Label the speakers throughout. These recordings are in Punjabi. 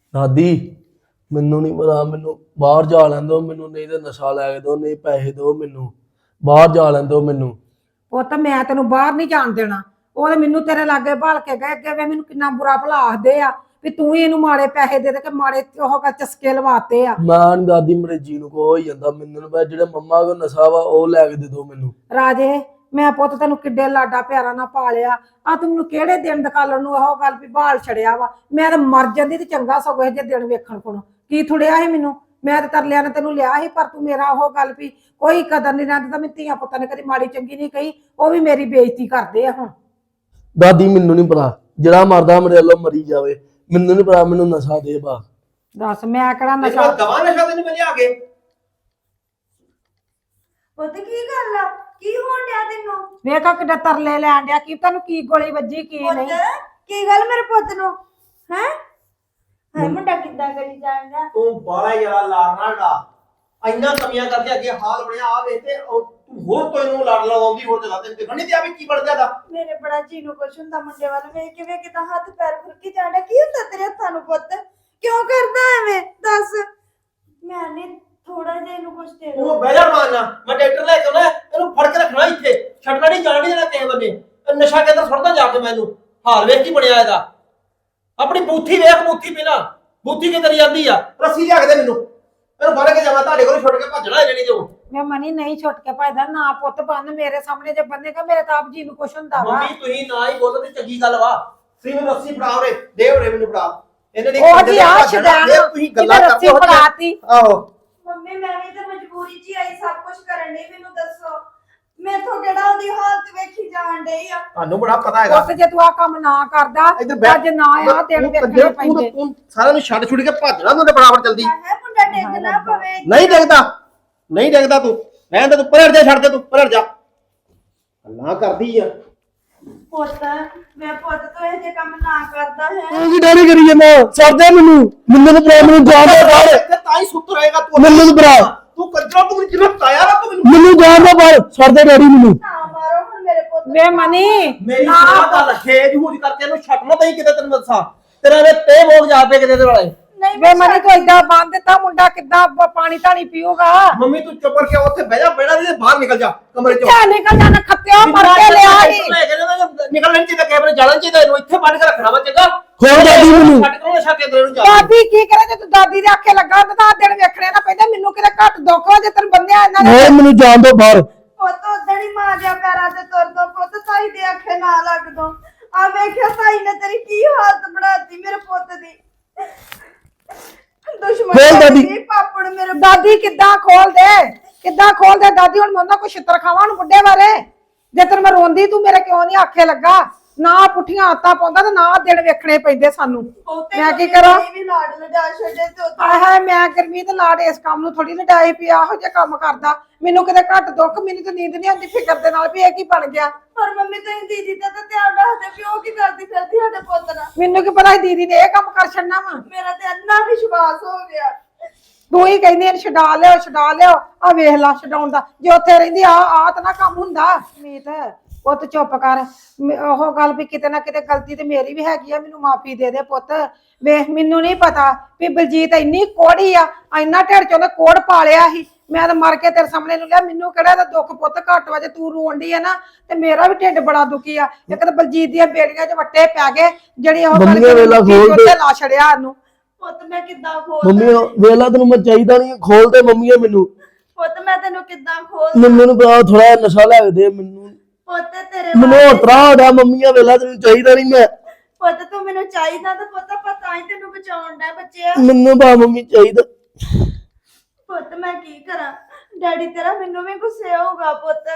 Speaker 1: ਦਾਦੀ ਮੈਨੂੰ ਨਹੀਂ ਪਤਾ, ਮੈਨੂੰ ਬਾਹਰ ਜਾ ਲੈਣ ਦਿਓ ਮੈਨੂੰ, ਨਹੀਂ ਤੇ ਨਸ਼ਾ ਲੈ ਕੇ ਦਿਓ, ਨਹੀਂ ਪੈਸੇ ਦਿਓ ਮੈਨੂੰ, ਬਾਹਰ ਜਾ ਲੈਣ ਦਿਓ ਮੈਨੂੰ।
Speaker 2: ਪੁੱਤ ਮੈਂ ਤੈਨੂੰ ਬਾਹਰ ਨਹੀਂ ਜਾਣ ਦੇਣਾ। ਉਹ ਤੇ ਮੈਨੂੰ ਤੇਰੇ ਲਾਗੇ ਭਾਲ ਕੇ ਗਏ ਅੱਗੇ ਵੇ ਮੈਨੂੰ ਕਿੰਨਾ ਬੁਰਾ ਭਲਾ ਆਖਦੇ ਆ ਵੀ ਤੂੰ ਹੀ ਇਹਨੂੰ ਮਾੜੇ ਪੈਸੇ ਦੇ ਦੇ ਕੇ ਮਾੜੇ ਉਹ ਕਰ ਚਸਕੇ ਲਵਾਤੇ ਆ।
Speaker 1: ਮੈਂ ਨੀ ਦਾਦੀ ਮੇਰੇ ਜੀ ਨੂੰ ਕੋ ਹੋ ਜਾਂਦਾ, ਮੈਨੂੰ ਨੀ ਪਤਾ ਜਿਹੜੇ ਮੰਮਾ ਕੋ ਨਸ਼ਾ ਵਾ ਉਹ ਲੈ ਕੇ ਦੇ ਦਿਓ ਮੈਨੂੰ।
Speaker 2: ਰਾਜੇ ਮੈਂ ਪੁੱਤ ਤੈਨੂੰ ਕਿੱਡੇ ਲਾਡਾ ਪਿਆਰਾ ਨਾਲ ਪਾਲਿਆ ਆ, ਤੂੰ ਮੈਨੂੰ ਕਿਹੜੇ ਦਿਨ ਦਿਖਾਲਣ ਨੂੰ ਇਹੋ ਗੱਲ ਵੀ ਬਾਲ ਛੜਿਆ ਵਾ। ਮੈਂ ਤਾਂ ਮਰ ਜਾਂਦੀ ਤੇ ਚੰਗਾ ਸਗੋਂ ਇਹ ਜੇ ਦਿਨ ਵੇਖਣ ਕੋਲੋਂ ਕੀ ਥੁੜਿਆ ਸੀ ਮੈਨੂੰ। ਮੈਂ ਤਾਂ ਤਰਲਿਆਂ ਨੇ ਤੈਨੂੰ ਲਿਆ ਸੀ, ਪਰ ਤੂੰ ਮੇਰਾ ਉਹ ਗੱਲ ਵੀ ਕੋਈ ਕਦਰ ਨਹੀਂ ਰਹਿੰਦਾ। ਮੈਂ ਧੀਆਂ ਪੁੱਤਾਂ ਨੇ ਕਦੀ ਮਾੜੀ ਚੰਗੀ ਨਹੀਂ ਕਹੀ, ਉਹ ਵੀ ਮੇਰੀ ਬੇਇੱਜ਼ਤੀ ਕਰਦੇ ਆ ਹੁਣ।
Speaker 1: ਦਾਦੀ ਮੈਨੂੰ ਨਹੀਂ ਪਤਾ, ਜਿਹੜਾ ਮਰਦਾ ਮੇਰੇ ਵੱਲੋਂ ਮਰੀ ਜਾਵੇ, ਮੈਨੂੰ ਨਹੀਂ ਪਤਾ, ਮੈਨੂੰ ਨਸ਼ਾ ਦੇ ਬਾ।
Speaker 2: ਦੱਸ ਮੈਂ ਕਿਹੜਾ ਨਸ਼ਾ
Speaker 3: ਦਵਾ ਨਸ਼ਾ ਤੈਨੂੰ ਮੈਂ ਲਿਆ ਕੇ।
Speaker 4: ਪੁੱਤ ਕੀ ਗੱਲ ਆ? ਕੀ ਹੋਣ ਡਿਆ ਤੈਨੂੰ?
Speaker 2: ਵੇਖਾ ਕਿੱਡਾ ਤਰਲੇ ਲੈਣ ਡਿਆ, ਕੀ ਤੈਨੂੰ ਕੀ ਗੋਲੀ ਵੱਜੀ ਕੀ
Speaker 4: ਪੁੱਤ
Speaker 2: ਨਹੀਂ।
Speaker 4: ਕੀ ਗੱਲ ਮੇਰੇ ਪੁੱਤ ਨੂੰ ਹੈ ਹੈ ਮੁੰਡਾ ਕਿੱਦਾਂ ਕਰੀ ਜਾਂਦਾ?
Speaker 3: ਤੂੰ ਬਾਲਾ ਯਾਰਾ ਲਾਰਨਾ ਡਾ ਇੰਨਾ ਕਮੀਆਂ ਕਰਦੇ ਅੱਗੇ ਹਾਲ ਬਣਿਆ ਆ ਵੇ ਤੇ ਤੂੰ ਹੋਰ ਤੋਂ ਇਹਨੂੰ ਲੜ ਲਵਾਉਂਦੀ ਹੋਰ ਜਗ੍ਹਾ ਤੇ ਦੇਖਣ ਨਹੀਂ ਦਿਆ ਵੀ ਕੀ ਬਣ ਜਾਂਦਾ।
Speaker 4: ਮੇਰੇ ਬੜਾ ਜੀ ਨੂੰ ਕੁਛ ਹੁੰਦਾ ਮੁੰਡੇ ਵੱਲ ਵੇਖ ਕੇ ਵੇਖ ਕਿਦਾਂ ਹੱਥ ਪੈਰ ਫੁਰਕੀ ਜਾਂਦਾ। ਕੀ ਹੁੰਦਾ ਤੇਰੇ ਹੱਥਾਂ ਨੂੰ ਪੁੱਤ? ਕਿਉਂ ਕਰਦਾ ਐਵੇਂ ਦੱਸ? ਮੈਂ ਨਹੀਂ ਥੋੜਾ ਜਿਹਾ ਇਹਨੂੰ ਕੁਛ ਦੇ ਦੋ।
Speaker 3: ਉਹ ਬਹਿ ਜਾ ਮਾਰਨਾ, ਮੈਂ ਡਾਕਟਰ ਲੈ ਕੇ ਆਉਣਾ, ਇਹਨੂੰ ਫੜ ਕੇ ਰੱਖਣਾ ਇੱਥੇ, ਛੱਡਣਾ ਨਹੀਂ ਜਾਣ ਨਹੀਂ ਦੇਣਾ ਕਿਸੇ ਬੰਨੇ। ਨਸ਼ਾ ਕੇਂਦਰ ਸੁੱਟਦਾ ਜਾ ਕੇ ਮੈਨੂੰ। ਹਾਲ ਵੇਖ ਕੀ ਬਣਿਆ ਇਹਦਾ। ਆਪਣੀ ਬੂਥੀ ਵੇਖ, ਬੂਥੀ ਪਹਿਲਾਂ ਬੂਥੀ ਕਿੱਧਰ ਜਾਂਦੀ ਆ। ਰੱਸੀ ਲਿਆ ਕੇ ਦੇ ਮੈਨੂੰ, ਇਹਨੂੰ ਫੜ ਕੇ ਜਾਵਾਂ ਤੁਹਾਡੇ ਕੋਲ, ਛੁੱਟ ਕੇ ਭੱਜਣਾ ਜਿਹੜੀ ਜੋ।
Speaker 2: ਮੈਂ ਮਨੀ ਨਹੀਂ ਛੁੱਟ ਕੇ ਭਜਦਾ ਨਾ। ਪੁੱਤ ਬੰਨ ਮੇਰੇ ਸਾਹਮਣੇ ਜੇ ਬੰਨੇਗਾ ਮੇਰੇ ਤਾਂ ਆਪ ਜੀ ਨੂੰ ਕੁਛ ਹੁੰਦਾ ਵਾ।
Speaker 3: ਮੰਮੀ ਤੁਸੀਂ ਨਾ ਹੀ ਬੋਲੋ ਤੇ ਚੰਗੀ ਗੱਲ ਵਾ। ਤੁਸੀਂ ਮੈਨੂੰ ਰੱਸੀ ਫੜਾ ਉਰੇ, ਦੇ ਉਰੇ ਮੈਨੂੰ ਫੜਾ। ਇਹਨੇ ਨਹੀਂ
Speaker 2: ਉਹ ਜੀ ਆ ਛਡਾਣਾ
Speaker 3: ਤੁਸੀਂ ਗੱਲਾਂ ਕਰਦੇ ਹੋ।
Speaker 2: ਫੜਾਤੀ।
Speaker 3: ਆਹੋ
Speaker 4: ਮੰਮੀ ਮੈਂ ਵੀ ਤਾਂ ਮਜਬੂਰੀ 'ਚ ਹੀ ਆਈ ਸਭ ਕੁਝ ਕਰਨ ਲਈ। ਮੈਨੂੰ ਦੱਸੋ ਮੈਥੋਂ ਕਿਹੜਾ ਉਹਦੀ ਹਾਲਤ ਵੇਖੀ ਜਾਣ ਡਈ ਆ?
Speaker 3: ਤੁਹਾਨੂੰ ਬੜਾ ਪਤਾ ਹੈਗਾ।
Speaker 2: ਪੁੱਤ ਜੇ ਤੂੰ ਆ ਕੰਮ ਨਾ ਕਰਦਾ ਅੱਜ ਨਾ ਆ ਦਿਨ ਵੇਖਣੇ ਪੈਂਦੇ।
Speaker 3: ਤੂੰ ਸਾਰਿਆਂ ਨੂੰ ਛੱਡ ਛੁੱਟ ਕੇ ਭੱਜਣਾ ਤੂੰ ਤੇ ਬਰਾਬਰ ਜਲਦੀ।
Speaker 4: ਹੈ ਮੁੰਡਾ ਡਿੱਗ ਨਾ ਪਵੇ।
Speaker 3: ਨਹੀਂ ਡਿੱਗਦਾ, ਨਹੀਂ ਡਿੱਗਦਾ ਤੂੰ। ਰਹਿਣ ਦੇ ਤੂੰ, ਪਰੜ ਜਾ, ਛੱਡ ਦੇ ਤੂੰ, ਪਰੜ ਜਾ। ਗੱਲਾਂ ਕਰਦੀ ਆ।
Speaker 4: ਪੁੱਤ ਮੈਂ ਪੁੱਤ ਤੋਂ ਇਹ ਜੇ ਕੰਮ ਨਾ ਕਰਦਾ ਹੈ।
Speaker 1: ਤੂੰ ਕੀ ਡੈਡੀ ਕਰੀ ਜਾਂਦਾ? ਛੱਡ ਦੇ ਮੈਨੂੰ, ਮੈਨੂੰ ਤਾਂ ਪਰਾ, ਮੈਨੂੰ ਜਾਣ ਦੇ ਬਾਹਰ,
Speaker 3: ਤੇ ਤਾਂ ਹੀ ਸੁੱਤ ਰਹੇਗਾ ਤੂੰ।
Speaker 1: ਮੈਨੂੰ ਤਾਂ ਪਰਾ,
Speaker 3: ਤੂੰ ਕੰਜਰਾ, ਤੂੰ ਮੈਨੂੰ ਜਿਵੇਂ ਤਾਇਆ ਨਾ ਤੂੰ ਮੈਨੂੰ।
Speaker 1: ਮੈਨੂੰ ਜਾਣ ਦੇ ਬਾਹਰ, ਛੱਡ ਦੇ ਡੈਡੀ ਮੈਨੂੰ।
Speaker 4: ਨਾ ਮਾਰੋ ਹੁਣ ਮੇਰੇ ਪੁੱਤ ਨੂੰ।
Speaker 2: ਵੇ ਮਨੀ
Speaker 3: ਮੇਰੀ ਸੁਣਾ ਗੱਲ, ਖੇਜ ਹੂਜ ਕਰਕੇ ਇਹਨੂੰ ਛੱਡਣਾ ਤਾਂ ਹੀ ਕਿਤੇ ਤੈਨੂੰ ਦੱਸਾਂ। ਤੇਰਾ ਨੇ ਤੇ ਮੋਗ ਜਾ ਪਏ ਕਿਤੇ ਦੇ ਵਾਲੇ।
Speaker 4: ਨਹੀਂ
Speaker 2: ਵੇ ਮਨੀ ਤੂੰ ਏਦਾਂ ਬੰਨ ਦਿੱਤਾ, ਮੁੰਡਾ ਕਿੱਦਾਂ ਪਾਣੀ ਧਾਣੀ ਪੀਊਗਾ?
Speaker 3: ਮੰਮੀ ਤੂੰ ਚੁੱਪ ਕਰਕੇ ਉੱਥੇ ਬਹਿ ਜਾ, ਬੈਠਾ ਨਹੀਂ ਬਾਹਰ ਨਿਕਲ ਜਾ ਕਮਰੇ ਚੋਂ।
Speaker 2: ਕਿਆ ਨਿਕਲ ਜਾਣਾ ਖੱਤਿਆ ਮਰ ਕੇ ਲਿਆ ਸੀ।
Speaker 3: ਨਿਕਲਣ ਚਾਹੀਦਾ, ਕੈਮਰੇ ਜਾਣਾ ਚਾਹੀਦਾ, ਇਹਨੂੰ ਇੱਥੇ ਬੰਨ ਕੇ ਰੱਖਣਾ ਵਾ ਚੰਗਾ।
Speaker 1: ਹੋਰ ਦਾਦੀ ਮੈਨੂੰ।
Speaker 3: ਛੱਡ ਕੇ ਨਸ਼ਾ ਕੇਂਦਰ ਨੂੰ ਜਾ।
Speaker 2: ਦਾਦੀ ਕੀ ਕਰੇ ਜੇ ਤੂੰ ਦਾਦੀ ਦੇ ਆਖੇ ਲੱਗਾ ਤਾਂ ਤਾਂ ਦਿਨ ਵੇਖਣੇ ਨਾ ਪੈਂਦਾ। ਮੈਨੂੰ ਕਿਤੇ ਘੱਟ ਦੁੱਖ ਵਾ ਜੇ ਤੈਨੂੰ ਬੰਦਿਆ ਇਹਨਾਂ ਨੇ।
Speaker 1: ਹੋਰ ਮੈਨੂੰ ਜਾਣ ਦੋ ਬਾਹਰ।
Speaker 4: ਪੁੱਤ ਉਦਣ ਹੀ ਮਾਂ ਦੇ ਪੈਰਾਂ ਤੇ ਤੁਰ ਦੋ ਪੁੱਤ, ਤਾਈ ਦੇ ਆਖੇ ਨਾ ਲੱਗ ਦੋ। ਆ ਵੇਖਿਆ ਤਾਈ ਨੇ ਤੇਰੀ ਕੀ ਹਾਲਤ ਬਣਾਤੀ ਮੇਰੇ ਪੁੱਤ ਦੀ। ਦੁਸ਼ਮਣ
Speaker 1: ਖੋਲ ਦਾਦੀ।
Speaker 4: ਸੀ ਪਾਪੜ ਮੇਰੇ।
Speaker 2: ਦਾਦੀ ਕਿੱਦਾਂ ਖੋਲ ਦੇ, ਕਿੱਦਾਂ ਖੋਲ ਦੇ ਦਾਦੀ। ਹੁਣ ਮੈਂ ਉਹਨਾਂ ਕੋ ਛਿੱਤਰ ਖਾਵਾਂ ਨੂੰ ਬੁੱਢੇ ਬਾਰੇ। ਜੇ ਤੈਨੂੰ ਮੈਂ ਰੋਂਦੀ ਤੂੰ ਮੇਰੇ ਕਿਉਂ ਨਹੀਂ ਆਖੇ ਲੱਗਾ? ਨਾ ਪੁੱਠੀਆਂ ਆਤਾਂ ਪਾਉਂਦਾ ਤੇ ਨਾ ਦਿਨ ਵੇਖਣੇ ਪੈਂਦੇ ਸਾਨੂੰ। ਮੈਂ ਕੀ ਕਰਾਂ?
Speaker 4: ਵੀ ਲਾਡ ਲਡਾ ਛੱਡੇ ਤੇ ਉੱਥੇ
Speaker 2: ਆਏ ਹਾਏ ਮੈਂ ਗਰਮੀ ਤੇ ਲਾੜ ਇਸ ਕੰਮ ਨੂੰ ਥੋੜੀ ਲਡਾਈ ਪਿਆ ਇਹੋ ਜਿਹਾ ਕੰਮ ਕਰਦਾ। ਮੈਨੂੰ ਕਿਤੇ ਘੱਟ ਦੁੱਖ, ਮੈਨੂੰ ਤਾਂ ਨੀਂਦ ਨਹੀਂ ਆਉਂਦੀ ਫਿਕਰ ਦੇ ਨਾਲ ਵੀ ਇਹ ਕੀ ਬਣ ਗਿਆ।
Speaker 4: ਪਰ ਮੰਮੀ ਤੁਸੀਂ ਦੀਦੀ ਦਾ ਤਾਂ ਧਿਆਨ ਰੱਖਦੇ ਵੀ ਉਹ ਕੀ ਕਰਦੀ ਫਿਰਦੀ ਸਾਡੇ ਪੁੱਤ ਨਾਲ।
Speaker 2: ਮੈਨੂੰ ਕੀ ਪਤਾ ਸੀ ਦੀਦੀ ਨੇ ਇਹ ਕੰਮ ਕਰ ਛੱਡਣਾ ਵਾ।
Speaker 4: ਮੇਰਾ ਤੇ ਇੰਨਾ ਵਿਸ਼ਵਾਸ ਹੋ ਗਿਆ।
Speaker 2: ਤੂੰ ਹੀ ਕਹਿੰਦੀ ਇਹਨੂੰ ਛਡਾ ਲਿਓ, ਛਡਾ ਲਿਓ। ਆ ਵੇਖ ਲਾ ਛਡਾਉਣ ਦਾ, ਜੇ ਉੱਥੇ ਰਹਿੰਦੀ ਆ ਤਾਂ ਨਾ ਕੰਮ ਹੁੰਦਾ। ਮੀਤ ਪੁੱਤ ਚੁੱਪ ਕਰ। ਉਹ ਗੱਲ ਵੀ ਕਿਤੇ ਨਾ ਕਿਤੇ ਗਲਤੀ ਤੇ ਮੇਰੀ ਵੀ ਹੈਗੀ ਆ, ਮੈਨੂੰ ਮਾਫੀ ਦੇ ਦੇ ਪੁੱਤ। ਵੇਖ ਮੈਨੂੰ ਨਹੀਂ ਪਤਾ ਵੀ ਬਲਜੀਤ ਇੰਨੀ ਕੋੜੀ ਆ, ਇੰਨਾ ਢਿੱਡ ਚ ਉਹਨੇ ਕੋੜ ਪਾ ਲਿਆ ਸੀ। ਮੈਂ ਤਾਂ ਮਰ ਕੇ ਤੇਰੇ ਸਾਹਮਣੇ ਨੂੰ ਲਿਆ। ਮੈਨੂੰ ਕਿਹੜਾ ਦਾ ਦੁੱਖ ਪੁੱਤ ਘੱਟ ਵਾ ਜੇ ਤੂੰ ਰੋਣ ਡਈ ਆ ਨਾ, ਤੇ ਮੇਰਾ ਵੀ ਢਿੱਡ ਬੜਾ ਦੁਖੀ ਆ। ਇੱਕ ਤਾਂ ਬਲਜੀਤ ਦੀਆਂ ਬੇੜੀਆਂ 'ਚ ਵੱਟੇ ਪੈ ਗਏ, ਜਿਹੜੀ ਉਹ
Speaker 1: ਮੰਮੀ ਵੇਲਾ ਖੋਲ ਦੇ।
Speaker 2: ਲਾ ਛੜਿਆ ਉਹਨੂੰ।
Speaker 4: ਪੁੱਤ ਮੈਂ ਕਿੱਦਾਂ ਖੋਲ
Speaker 1: ਮੰਮੀ ਵੇਲਾ ਤੈਨੂੰ ਮੈਂ ਚਾਹੀਦਾ ਨਹੀਂ, ਖੋਲ ਦੇ ਮੰਮੀ ਮੈਨੂੰ।
Speaker 4: ਪੁੱਤ ਮੈਂ ਤੈਨੂੰ ਕਿੱਦਾਂ ਖੋਲ
Speaker 1: ਮੈਨੂੰ ਨੀ ਪਤਾ, ਥੋੜਾ ਨਸ਼ਾ ਲੈ ਕੇ ਦੇ ਮੈਨੂੰ।
Speaker 4: ਪੁੱਤ ਤੇਰੇ
Speaker 1: ਮੈਨੂੰ ਉਤਰਾ ਹੋ ਰਿਹਾ ਮੰਮੀਆਂ ਵੇਲਾ ਤੈਨੂੰ ਚਾਹੀਦਾ ਨਹੀਂ ਮੈਂ।
Speaker 4: ਪੁੱਤ ਤੂੰ ਮੈਨੂੰ ਚਾਹੀਦਾ ਤਾਂ ਪੁੱਤ ਪਤਾ ਹੀ ਤੈਨੂੰ ਬਚਾਉਣ ਦਾ ਬੱਚਿਆ।
Speaker 1: ਮੈਨੂੰ ਬਾ ਮੰਮੀ ਚਾਹੀਦਾ।
Speaker 4: ਪੁੱਤ ਮੈਂ ਕੀ ਕਰਾਂ? ਡੈਡੀ ਤੇਰਾ ਮੈਨੂੰ ਵੀ ਗੁੱਸੇ ਹੋਊਗਾ ਪੁੱਤ।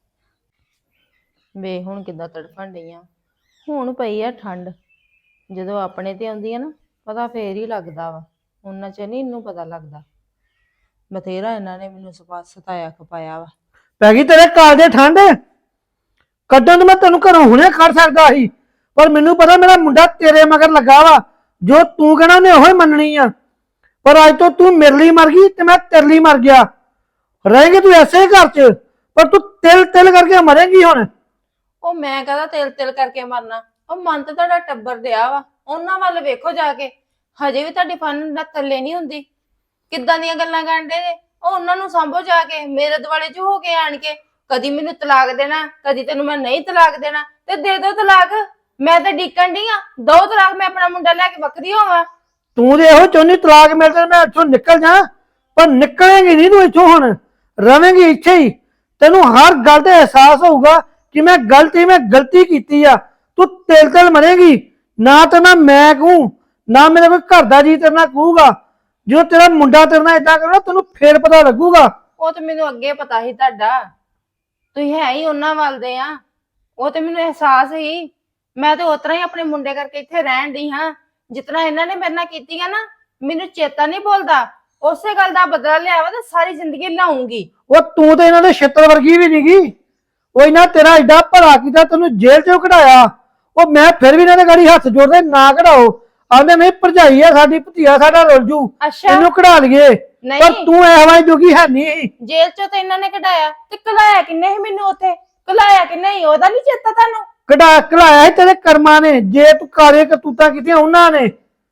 Speaker 5: ਵੇ ਹੁਣ ਕਿੱਦਾਂ ਤੜਫਣ ਡਈਆਂ। ਹੁਣ ਪਈ ਆ ਠੰਡ, ਜਦੋਂ ਆਪਣੇ ਤੇ ਆਉਂਦੀ ਆ ਨਾ ਪਤਾ ਫੇਰ ਹੀ ਲੱਗਦਾ ਵਾ। ਉਹਨਾਂ ਚ ਨਹੀਂ ਇਹਨੂੰ ਪਤਾ ਲੱਗਦਾ। ਬਥੇਰਾ ਇਹਨਾਂ ਨੇ ਮੈਨੂੰ ਸਤਾਇਆ ਖਪਾਇਆ ਵਾ।
Speaker 6: ਪੈ ਗਈ ਤੇਰੇ ਕਾਲ ਦੇ ਠੰਡ। ਕੱਢਣ ਨੂੰ ਮੈਂ ਤੈਨੂੰ ਘਰੋਂ ਹੁਣੇ ਕੱਢ ਸਕਦਾ ਸੀ, ਪਰ ਮੈਨੂੰ ਪਤਾ ਮੇਰਾ ਮੁੰਡਾ ਤੇਰੇ ਮਗਰ ਲੱਗਾ ਵਾ। ਜੋ ਤੂੰ ਕਹਿਣਾ ਉਹਨੇ ਉਹੀ ਮੰਨਣੀ ਆ। ਪਰ ਅੱਜ ਤੋਂ ਤੂੰ ਮੇਰੇ ਲਈ ਮਰ ਗਈ ਤੇ ਮੈਂ ਤੇਰੇ ਲਈ ਮਰ ਗਿਆ। ਰਹੇਂਗੇ ਤੂੰ ਐਸੇ ਹੀ ਘਰ 'ਚ, ਪਰ ਤੂੰ ਤਿਲ ਤਿਲ ਕਰਕੇ ਮਰੇਂਗੀ ਹੁਣ।
Speaker 5: ਉਹ ਮੈਂ ਕਹਦਾ ਤਿਲ ਤਿਲ ਕਰਕੇ ਮਰਨਾ। ਉਹ ਮਨ ਤੇ ਤੁਹਾਡਾ ਟੱਬਰ ਦਿਆ ਵਾ, ਉਹਨਾਂ ਵੱਲ ਵੇਖੋ ਜਾ ਕੇ। ਹਜੇ ਵੀ ਤੁਹਾਡੀ ਫਨ ਨਾ ਥੱਲੇ ਨਹੀਂ ਹੁੰਦੀ। ਕਿੱਦਾਂ ਦੀਆਂ ਗੱਲਾਂ ਕਰਨ ਦੇ ਉਹ ਉਹਨਾਂ ਨੂੰ ਸੰਭੋ ਜਾ ਕੇ, ਮੇਰੇ ਦੁਆਲੇ ਚ ਹੋ ਕੇ ਆਣ ਕੇ ਕਦੀ ਮੈਨੂੰ ਤਲਾਕ ਦੇਣਾ, ਕਦੀ ਤੈਨੂੰ ਮੈਂ ਨਹੀਂ ਤਲਾਕ ਦੇਣਾ, ਤੇ ਦੇ ਦੋ ਤਲਾਕ। ਮੈਂ ਤਾਂ ਡੀਕਣ ਡਈ ਆ, ਦੋ ਤਲਾਕ, ਮੈਂ ਆਪਣਾ ਮੁੰਡਾ ਲੈ ਕੇ ਵੱਖਰੀ ਹੋਵਾਂ।
Speaker 6: ਤੂੰ ਤੇ ਇਹੋ ਚਾਹੁੰਦੀ ਤਲਾਕ ਮਿਲ ਜਾਏ ਮੈਂ ਇੱਥੋਂ ਨਿਕਲ ਜਾ, ਪਰ ਨਿਕਲੇਂਗੀ ਨਹੀਂ ਤੂੰ ਇੱਥੋਂ, ਹੁਣ ਰਵੇਂਗੀ ਇੱਥੇ ਹੀ। ਤੈਨੂੰ ਹਰ ਗੱਲ ਦਾ ਅਹਿਸਾਸ ਹੋਊਗਾ ਕਿ ਮੈਂ ਗਲਤੀ ਕੀਤੀ ਆ। ਤੂੰ ਤਿਲ ਮਰੇਗੀ, ਨਾ ਤਾਂ ਨਾ ਮੈਂ ਕਹੂੰ, ਨਾ ਮੇਰੇ ਕੋਈ ਘਰ ਦਾ ਜੀ ਤੇਰੇ ਨਾਲ ਕਹੂਗਾ। ਜੋ ਤੇਰਾ ਮੁੰਡਾ ਤੇਰੇ ਨਾਲ ਏਦਾਂ ਕਰਨਾ ਤੈਨੂੰ ਫੇਰ ਪਤਾ ਲੱਗੂਗਾ।
Speaker 5: ਉਹ ਤੇ ਮੈਨੂੰ ਅੱਗੇ ਪਤਾ ਸੀ ਤੁਹਾਡਾ, ਤੁਸੀਂ ਹੈ ਹੀ ਉਹਨਾਂ ਵੱਲ ਦੇ ਆ, ਉਹ ਤੇ ਮੈਨੂੰ ਅਹਿਸਾਸ ਹੀ। ਮੈਂ ਤੇ ਉਤਰਾ ਹੀ ਆਪਣੇ ਮੁੰਡੇ ਕਰਕੇ ਇੱਥੇ ਰਹਿਣ ਦੀ ਹਾਂ। ਜਿਤਨਾ ਇਹਨਾਂ ਨੇ ਮੇਰੇ ਨਾਲ ਕੀਤੀਆਂ ਨਾ, ਮੈਨੂੰ ਚੇਤਾ ਨਹੀਂ ਭੁੱਲਦਾ। ਉਸੇ ਗੱਲ ਦਾ ਬਦਲਾ ਲਿਆ ਵਾ ਤੇ ਸਾਰੀ ਜ਼ਿੰਦਗੀ ਲਾਉਂਗੀ।
Speaker 6: ਉਹ ਤੂੰ ਤੇ ਇਹਨਾਂ ਦੇ ਛਿੱਤਰ ਵਰਗੀ ਵੀ ਨਹੀਂਗੀ। ਉਹ ਇਹਨਾਂ ਤੇਰਾ ਏਡਾ ਭਲਾ ਕੀਤਾ, ਤੈਨੂੰ ਜੇਲ੍ਹ ਚੋਂ ਕਢਾਇਆ। ਉਹ ਮੈਂ ਫਿਰ ਵੀ ਇਹਨਾਂ ਦੇ ਗਾੜੀ ਹੱਥ ਜੋੜਦੇ, ਨਾ ਕਢਾਓ। ਆਂਦੇ ਨਹੀਂ ਭਰਜਾਈ ਆ ਸਾਡੀ, ਭਤੀਆ ਸਾਡਾ ਰੁੱਲ ਜੂ,
Speaker 5: ਅੱਛਾ
Speaker 6: ਇਹਨੂੰ ਕਢਾ ਲਈਏ।
Speaker 5: ਨਹੀਂ।
Speaker 6: ਪਰ ਤੂੰ ਐਵੇਂ ਜੋਗੀ ਹੈ ਨਹੀਂ।
Speaker 5: ਜੇਲ੍ਹ ਚੋਂ ਤੇ ਇਹਨਾਂ ਨੇ ਕਢਾਇਆ, ਤੇ ਕਲਾਇਆ ਕਿੰਨੇ ਸੀ ਮੈਨੂੰ ਉੱਥੇ? ਕਲਾਇਆ ਕਿੰਨੇ ਸੀ ਉਹਦਾ ਨਹੀਂ ਚੇਤਾ ਤੁਹਾਨੂੰ?
Speaker 6: ਕਢਾਇਆ ਸੀ ਤੇਰੇ ਕਰਮਾਂ ਨੇ, ਜੇ ਤੂੰ ਕਾਲੇ ਕਰਤੂਤਾਂ ਕੀਤੀਆਂ ਉਹਨਾਂ ਨੇ।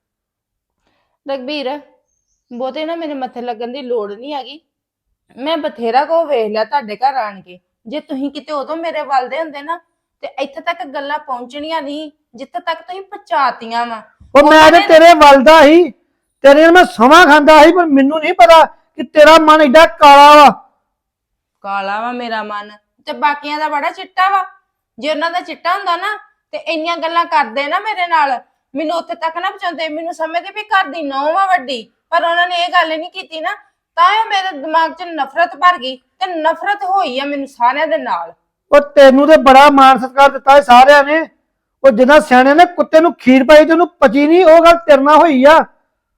Speaker 5: ਰਘਬੀਰ, ਬਹੁਤੇ ਨਾ ਮੇਰੇ ਮੱਥੇ ਲੱਗਣ ਦੀ ਲੋੜ ਨਹੀਂ ਹੈਗੀ। ਮੈਂ ਬਥੇਰਾ ਕੋ ਵੇਖ ਲਿਆ ਤੁਹਾਡੇ ਘਰ ਆਣ ਕੇ। ਜੇ ਤੁਸੀਂ ਕਿਤੇ ਉਦੋਂ ਮੇਰੇ ਵੱਲ ਦੇ ਹੁੰਦੇ ਨਾ, ਤੇ ਇੱਥੇ ਤੱਕ ਗੱਲਾਂ ਪਹੁੰਚਣੀਆਂ ਨਹੀਂ ਜਿੱਥੇ ਤੱਕ ਤੁਸੀਂ ਪਹੁੰਚਾਤੀਆਂ ਵਾ।
Speaker 6: ਉਹ ਮੈਂ ਤੇ ਤੇਰੇ ਵੱਲ ਦਾ ਹੀ, ਤੇਰੇ ਨਾਲ ਮੈਂ ਸਮਾਂ ਖਾਂਦਾ ਸੀ, ਪਰ ਮੈਨੂੰ ਨਹੀਂ ਪਤਾ ਕਿ ਤੇਰਾ ਮਨ ਏਡਾ ਕਾਲਾ ਵਾ।
Speaker 5: ਕਾਲਾ ਵਾ ਮੇਰਾ ਮਨ, ਤੇ ਬਾਕੀਆਂ ਦਾ ਬੜਾ ਚਿੱਟਾ ਵਾ। ਜੇ ਉਹਨਾਂ ਦਾ ਚਿੱਟਾ ਹੁੰਦਾ ਨਾ, ਤੇ ਇੰਨੀਆਂ ਗੱਲਾਂ ਕਰਦੇ ਨਾ ਮੇਰੇ ਨਾਲ, ਮੈਨੂੰ ਉੱਥੇ ਤੱਕ ਨਾ ਪਹੁੰਚਾਉਂਦੇ। ਮੈਨੂੰ ਸਮਝਦੇ ਵੀ ਘਰ ਦੀ ਨੌਂ ਵਾ ਵੱਡੀ, ਪਰ ਉਹਨਾਂ ਨੇ ਇਹ ਗੱਲ ਨਹੀਂ ਕੀਤੀ ਨਾ, ਤਾਂ ਇਹ ਮੇਰੇ ਦਿਮਾਗ 'ਚ ਨਫ਼ਰਤ ਭਰ ਗਈ, ਤੇ ਨਫ਼ਰਤ ਹੋਈ ਆ ਮੈਨੂੰ ਸਾਰਿਆਂ ਦੇ ਨਾਲ।
Speaker 6: ਉਹ ਤੈਨੂੰ ਤੇ ਬੜਾ ਮਾਣ ਸਤਿਕਾਰ ਦਿੱਤਾ ਸਾਰਿਆਂ ਨੇ। ਉਹ ਜਿੱਦਾਂ ਸਿਆਣਿਆਂ ਨੇ ਕੁੱਤੇ ਨੂੰ ਖੀਰ ਪਾਈ ਤੇ ਉਹਨੂੰ ਪਚੀ ਨਹੀਂ, ਉਹ ਗੱਲ ਤੇਰੇ ਨਾਲ ਹੋਈ ਆ।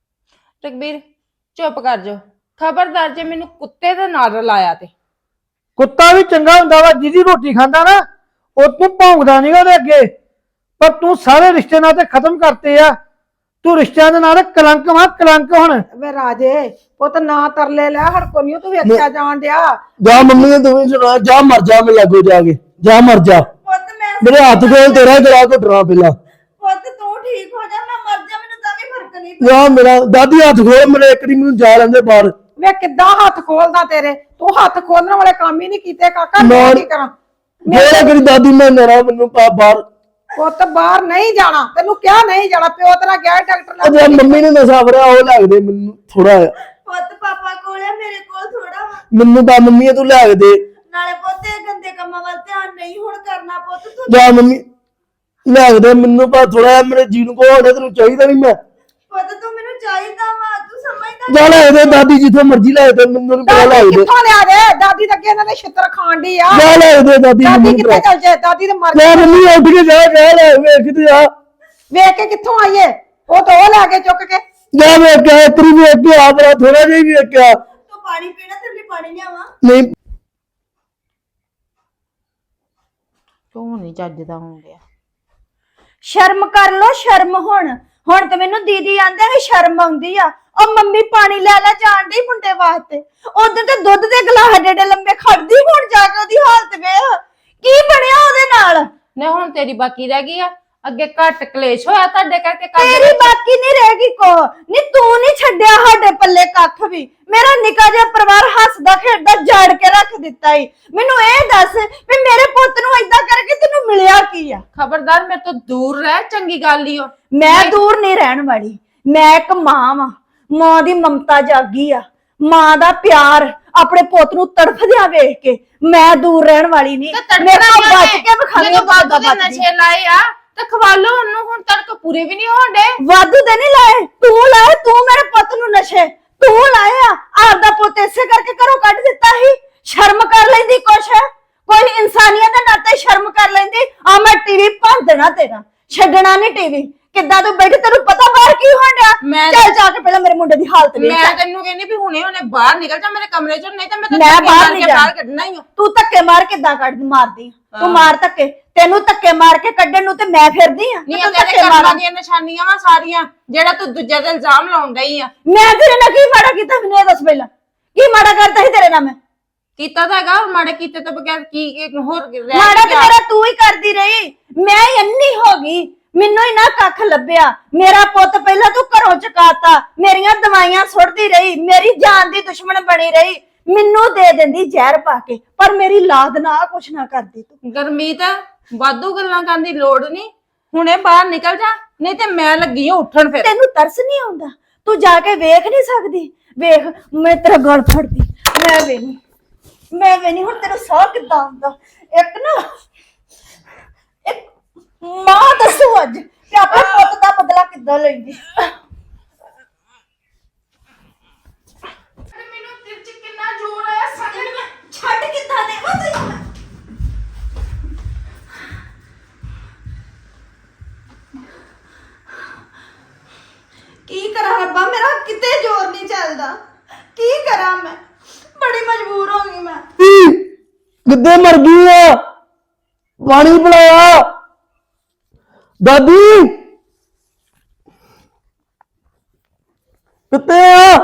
Speaker 5: ਰਘਬੀਰ ਚੁੱਪ ਕਰ ਜਾ, ਖਬਰਦਾਰ ਜੇ ਮੈਨੂੰ ਕੁੱਤੇ ਦੇ ਨਾਲ ਰਲਾਇਆ ਤੇ।
Speaker 6: ਕੁੱਤਾ ਵੀ ਚੰਗਾ ਹੁੰਦਾ ਵਾ, ਜਿਹਦੀ ਰੋਟੀ ਖਾਂਦਾ ਨਾ ਉਹ ਤੂੰ ਭੌਂਕਦਾ ਨਹੀਂਗਾ ਉਹਦੇ ਅੱਗੇ। ਪਰ ਤੂੰ ਸਾਰੇ ਰਿਸ਼ਤੇ ਨਾਤੇ ਖਤਮ ਕਰਤੇ ਆ। ਤੂੰ ਰਿਸ਼ਤਿਆਂ ਦੇ ਨਾਲ ਕਲੰਕ ਵਾ, ਕਲੰਕ। ਹੁਣ
Speaker 2: ਵੇ ਰਾਜੇ ਪੁੱਤ ਨਾ ਤਰਲੇ ਲੈ, ਹੜਕੋ ਨਹੀਂ ਤੂੰ ਵੇਖਿਆ ਜਾਣ ਡਿਆ।
Speaker 1: ਜਾ ਮੰਮੀ ਨੇ ਤੂੰ ਵੀ ਸੁਣਾ, ਜਾ ਮਰ ਜਾ, ਮੈਂ ਲੱਗੋ ਜਾ ਕੇ, ਜਾ ਮਰ ਜਾ।
Speaker 4: ਪੁੱਤ ਮੈਂ
Speaker 1: ਮੇਰੇ ਹੱਥ ਕੋਲ ਤੇਰਾ ਗਲਾ ਘੁੱਟਣਾ ਪਹਿਲਾਂ।
Speaker 4: ਪੁੱਤ ਤੂੰ ਠੀਕ ਹੋ ਜਾ, ਮੈਂ ਮਰ ਜਾ, ਮੈਨੂੰ ਤਾਂ ਵੀ ਫਰਕ ਨਹੀਂ
Speaker 1: ਜਾ ਮੇਰਾ ਦਾਦੀ ਹੱਥ ਖੋਲ, ਮੇਰੇ ਇੱਕ ਦੀ ਮੈਨੂੰ ਜਾ ਲੈਂਦੇ ਬਾਹਰ।
Speaker 2: ਵੇ ਕਿੱਦਾਂ ਹੱਥ ਖੋਲਦਾ ਤੇਰੇ, ਤੂੰ ਹੱਥ ਖੋਲਣ ਵਾਲੇ ਕੰਮ ਹੀ ਨਹੀਂ ਕੀਤੇ ਕਾਕਾ। ਮੈਂ ਕੀ ਕਰਾਂ?
Speaker 1: ਮੇਰਾ ਕਰੀ ਦਾਦੀ ਮੈਂ ਨਰਾ, ਮੈਨੂੰ ਪਾ ਬਾਹਰ।
Speaker 2: ਪੁੱਤ ਬਾਹਰ ਨਹੀਂ ਜਾਣਾ, ਤੈਨੂੰ ਕਿਹਾ ਨਹੀਂ ਜਾਣਾ। ਪਿਓ ਤੇਰਾ ਗਿਆ ਡਾਕਟਰ
Speaker 1: ਉਹ ਜੇ
Speaker 2: ਨਾਲ।
Speaker 1: ਮੰਮੀ ਨੇ ਨਸ਼ਾ ਫੜਿਆ ਉਹ ਲੱਗਦੇ ਮੈਨੂੰ ਥੋੜਾ ਜਿਹਾ।
Speaker 4: ਪੁੱਤ ਪਾਪਾ ਕੋਲ ਆ, ਮੇਰੇ ਕੋਲ ਥੋੜਾ ਵਾ।
Speaker 1: ਮੈਨੂੰ ਤਾਂ ਮੰਮੀ ਤੂੰ ਲੈ ਕੇ ਦੇ।
Speaker 4: ਨਾਲੇ ਪੁੱਤ ਇਹ ਗੰਦੇ ਕੰਮਾਂ ਵੱਲ ਧਿਆਨ ਨਹੀਂ ਹੁਣ ਕਰਨਾ। ਪੁੱਤ ਤੂੰ
Speaker 1: ਜਾ ਮੰਮੀ ਲੈ ਕੇ ਦੇ ਮੈਨੂੰ, ਪਾ ਥੋੜਾ ਜਿਹਾ ਮੇਰੇ ਜੀ ਨੂੰ ਕੋ ਹੋਣਾ, ਤੈਨੂੰ ਚਾਹੀਦਾ ਨਹੀਂ ਮੈਂ।
Speaker 4: ਪੁੱਤ ਤੂੰ ਮੈਨੂੰ ਚਾਹੀਦਾ ਵਾ, ਤੂੰ ਸਮਝਦਾ
Speaker 1: ਜਾ ਲੈ ਦੇ ਦਾਦੀ, ਜਿੱਥੋਂ ਮਰਜ਼ੀ ਲੈ ਦੇ, ਮੈਨੂੰ ਨੀ ਪਤਾ ਲੈ
Speaker 2: ਦਾਦੀ
Speaker 1: ਦੇ।
Speaker 2: ਕਿੱਥੋਂ ਲਿਆ ਦੇ? ਦਾਦੀ ਤਾਂ ਅੱਗੇ ਇਹਨਾਂ ਦੇ ਛਿੱਤਰ ਖਾਣ ਡਈ ਆ।
Speaker 1: ਜਾ ਲੈ ਦੇ ਦਾਦੀ,
Speaker 2: ਦਾਦੀ
Speaker 1: ਮੈਨੂੰ
Speaker 2: ਕਿੱਥੇ ਚੱਲ ਜਾਏ? ਦਾਦੀ ਤੇ ਮਰ
Speaker 1: ਜਾ
Speaker 2: ਗਈ।
Speaker 1: ਮੰਮੀ ਉੱਠ ਕੇ ਜਾ, ਜਾ ਲੈ ਵੇਖ ਤੇ ਜਾ।
Speaker 2: ਵੇਖ ਕੇ ਕਿੱਥੋਂ ਆਈਏ? ਉਹ ਤਾਂ ਉਹ ਲੈ ਕੇ ਚੁੱਕ ਕੇ।
Speaker 1: ਜਾ ਵੇਖ ਕੇ ਤੇਰੀ ਵੇਖ ਕੇ ਆ, ਬੜਾ ਥੋੜਾ ਜਿਹਾ ਹੀ ਵੇਖ ਕੇ ਆ।
Speaker 4: ਤੂੰ ਪਾਣੀ ਪੀਣਾ, ਤੇਰੇ ਲਈ ਪਾਣੀ ਲਿਆਵਾਂ?
Speaker 1: ਨਹੀਂ
Speaker 5: ਕਿਉਂ ਨਹੀਂ ਚੱਜਦਾ ਹੋਣ ਡਿਆ?
Speaker 4: ਸ਼ਰਮ ਕਰ ਲੋ, ਸ਼ਰਮ। ਹੁਣ ਤੇ ਮੈਨੂੰ ਦੀਦੀ ਆਂਦੇ ਵੀ ਸ਼ਰਮ ਆਉਂਦੀ ਆ। ਉਹ ਮੰਮੀ ਪਾਣੀ ਲੈ ਲੈ ਜਾਣ ਡਈ ਮੁੰਡੇ ਵਾਸਤੇ। ਉਧਰ ਤੇ ਦੁੱਧ ਦੇ ਗਲਾਸ ਏਡੇ ਲੰਬੇ ਖੜਦੀ, ਹੁਣ ਜਾ ਕੇ ਉਹਦੀ ਹਾਲਤ ਵੇਖ ਕੀ ਬਣਿਆ ਉਹਦੇ ਨਾਲ।
Speaker 5: ਨੇ ਹੁਣ ਤੇਰੀ ਬਾਕੀ ਰਹਿ ਗਈ ਆ। ਅੱਗੇ ਘੱਟ ਕਲੇਸ਼ ਹੋਇਆ ਤੁਹਾਡੇ ਕਰਕੇ ਘਰ ਦੇ
Speaker 4: ਤੇਰੀ
Speaker 5: ਵਿੱਚ।
Speaker 4: ਬਾਕੀ ਨਹੀਂ ਰਹੇਗੀ ਕੋ ਨਹੀਂ, ਤੂੰ ਨਹੀਂ ਛੱਡਿਆ ਸਾਡੇ ਪੱਲੇ ਕੱਖ ਵੀ। ਮੇਰਾ ਨਿੱਕਾ ਜਿਹਾ ਪਰਿਵਾਰ ਹੱਸਦਾ ਖੇਡਦਾ ਜਾੜ ਕੇ ਰੱਖ ਦਿੱਤਾ ਈ। ਮੈਨੂੰ ਇਹ ਦੱਸ ਵੀ ਮੇਰੇ ਪੁੱਤ ਨੂੰ ਏਦਾਂ ਕਰਕੇ ਤੈਨੂੰ ਮਿਲਿਆ ਕੀ ਆ?
Speaker 5: ਖਬਰਦਾਰ ਮੇਰੇ ਤੋਂ ਦੂਰ ਰਹਿ, ਚੰਗੀ ਗੱਲ ਈ ਓ।
Speaker 4: ਮੈਂ ਦੂਰ ਨਹੀਂ ਰਹਿਣ ਵਾਲੀ। ਮੈਂ ਇੱਕ ਮਾਂ ਵਾਂ, ਮਾਂ ਦੀ ਮਮਤਾ ਜਾਗੀ ਆ, ਮਾਂ ਦਾ ਪਿਆਰ ਆਪਣੇ ਪੁੱਤ ਨੂੰ ਤੜਫਦਿਆਂ ਵੇਖ ਕੇ ਮੈਂ ਦੂਰ ਰਹਿਣ ਵਾਲੀ ਨਹੀਂ।
Speaker 5: ਤੇ
Speaker 4: ਮੇਰੇ
Speaker 5: ਤੜਫਣਾ
Speaker 4: ਤੋਂ ਬਚ
Speaker 5: ਕਿਉਂ
Speaker 4: ਕੇ ਵਿਖਾਲੀ
Speaker 5: ਜਦੋਂ ਵਾਧੂ ਦੇ ਨਸ਼ੇ ਲਾਏ ਆ ਤੇ ਖਵਾ ਲਓ ਉਹਨੂੰ, ਹੁਣ ਤੜਕ ਪੂਰੇ ਵੀ ਨਹੀਂ ਹੋਣ ਡੇ।
Speaker 4: ਵਾਧੂ ਦੇ ਨਹੀਂ ਲਾਏ, ਤੂੰ ਲਾਏ। ਤੂੰ ਮੇਰੇ ਪੁੱਤ ਨੂੰ ਨਸ਼ੇ ਤੂੰ ਲਾਏ ਆ। ਆਪਦਾ ਪੁੱਤ ਇਸੇ ਕਰਕੇ ਘਰੋਂ ਕੱਢ ਦਿੱਤਾ ਸੀ। ਸ਼ਰਮ ਕਰ ਲੈਂਦੀ ਕੁਛ, ਕੋਈ ਇਨਸਾਨੀਅਤ ਦੇ ਨਾਤੇ ਸ਼ਰਮ ਕਰ ਲੈਂਦੀ। ਆ ਮੈਂ ਟੀਵੀ ਭੰਨ ਦੇਣਾ ਤੇਰਾ, ਛੱਡਣਾ ਨਹੀਂ ਟੀਵੀ। ਕਿੱਦਾਂ ਤੂੰ ਬੈਠ, ਤੈਨੂੰ ਪਤਾ ਬਾਹਰ ਕੀ ਹੋਣ ਡਿਆ?
Speaker 5: ਮੈਂ-
Speaker 4: ਚੱਲ ਜਾ ਕੇ ਪਹਿਲਾਂ ਮੇਰੇ ਮੁੰਡੇ ਦੀ ਹਾਲਤ ਵੇਖ।
Speaker 5: ਮੈਂ ਤੈਨੂੰ ਕਹਿੰਦੀ ਵੀ ਹੁਣੇ ਬਾਹਰ ਨਿਕਲ ਜਾ ਮੇਰੇ ਕਮਰੇ ਚੋਂ, ਨਹੀਂ ਤਾਂ ਮੈਂ
Speaker 4: ਮੈਂ
Speaker 5: ਤੈਨੂੰ
Speaker 4: ਬਾਹਰ ਨਹੀਂ
Speaker 5: ਬਾਹਰ
Speaker 4: ਜਾਣਾ।
Speaker 5: ਕੱਢਣਾ ਹੀ ਆ।
Speaker 4: ਤੂੰ ਧੱਕੇ ਮਾਰ ਕਿੱਦਾਂ ਮਾਰਦੀ ਆ? ਤੂੰ ਮਾਰ ਧੱਕੇ, ਤੈਨੂੰ ਧੱਕੇ ਮਾਰ ਕੇ ਕੱਢਣ ਨੂੰ ਤੇ ਮੈਂ ਫਿਰਦੀ ਆ।
Speaker 5: ਨਹੀਂ
Speaker 4: ਤੂੰ
Speaker 5: ਤੇਰੇ
Speaker 4: ਧੱਕੇ
Speaker 5: ਕਰਮਾਂ
Speaker 4: ਮਾਰਾਂ।
Speaker 5: ਦੀਆਂ ਨਿਸ਼ਾਨੀਆਂ ਵਾ ਸਾਰੀਆਂ, ਜਿਹੜਾ ਤੂੰ ਦੂਜੇ ਤੇ ਇਲਜ਼ਾਮ ਲਾਉਣ ਡਈ ਆ।
Speaker 4: ਮੈਂ ਤੇਰੇ ਨਾਲ ਕੀ ਮਾੜਾ ਕੀਤਾ? ਮੈਨੂੰ ਇਹ ਦੱਸ ਪਹਿਲਾਂ, ਕੀ ਮਾੜਾ ਕਰਤਾ ਸੀ ਤੇਰੇ ਨਾਲ ਮੈਂ?
Speaker 5: ਕੀਤਾ ਤਾਂ ਹੈਗਾ, ਮਾੜੇ ਕੀਤੇ ਤੋਂ ਬਗੈਰ ਕੀ ਹੋਰ ਰਹਿ
Speaker 4: ਮਾੜਾ ਤੇ
Speaker 5: ਗਿਆ?
Speaker 4: ਮੇਰਾ ਤੂੰ ਹੀ ਕਰਦੀ ਰਹੀ। ਮੈਂ ਹੀ ਅੰਨੀ ਹੋ ਗਈ। ਮੈਨੂੰ ਹੀ ਨਾ ਕੱਖ ਲੱਭਿਆ। ਮੇਰਾ ਪੁੱਤ ਪਹਿਲਾਂ ਤੂੰ ਘਰੋਂ ਚੁਕਾਤਾ, ਮੇਰੀਆਂ ਦਵਾਈਆਂ ਸੁੱਟਦੀ ਰਹੀ, ਮੇਰੀ ਜਾਨ ਦੀ ਦੁਸ਼ਮਣ ਬਣੀ ਰਹੀ, ਮੈਨੂੰ ਦੇ ਦਿੰਦੀ ਜ਼ਹਿਰ ਪਾ ਕੇ, ਪਰ ਮੇਰੀ ਲਾਦ ਨਾ ਕੁਛ ਨਾ ਕਰਦੀ ਤੂੰ।
Speaker 5: ਗਰਮੀਤ ਵਾਧੂ ਗੱਲਾਂ ਕਰਨ ਦੀ ਲੋੜ ਨਹੀਂ, ਹੁਣੇ ਬਾਹਰ ਨਿਕਲ ਜਾ, ਨਹੀਂ ਤੇ ਮੈਂ ਲੱਗੀ ਹਾਂ ਉੱਠਣ ਫਿਰ।
Speaker 4: ਤੈਨੂੰ ਤਰਸ ਨਹੀਂ ਆਉਂਦਾ? ਤੂੰ ਜਾ ਕੇ ਵੇਖ ਨਹੀਂ ਸਕਦੀ? ਵੇਖ, ਮੈਂ ਤੇਰਾ ਗਲ ਫੜਦੀ, ਮੈਂ ਵੇ ਨਹੀਂ ਹੁਣ ਤੈਨੂੰ ਸਾਹ ਕਿੱਦਾਂ ਆਉਂਦਾ। ਇੱਕ ਨਾ ਇੱਕ ਮਾਂ ਦੱਸੂ ਅੱਜ ਕਿ ਆਪਣੇ ਪੁੱਤ ਦਾ ਬਦਲਾ ਕਿੱਦਾਂ ਲੈਂਦੀ। ਮੈਨੂੰ ਦਿਲ 'ਚ ਕਿੰਨਾ ਜ਼ੋਰ ਆਇਆ, ਸਾਜਣ ਮੈਂ ਛੱਡ ਕਿੱਦਾਂ ਦੇਵਾਂ ਤੈਨੂੰ ਮੈਂ। ਕੀ ਕਰਾਂ ਰੱਬਾ, ਮੇਰਾ ਕਿਤੇ ਜ਼ੋਰ ਨਹੀਂ ਚੱਲਦਾ, ਕੀ ਕਰਾਂ ਮੈਂ, ਬੜੀ ਮਜਬੂਰ ਹੋ ਗਈ ਮੈਂ।
Speaker 1: ਕਿੱਦੇ ਮਰ ਗਈ ਆ? ਪਾਣੀ ਪਿਲਾਇਆ ਦਾਦੀ, ਕਿੱਥੇ ਆ?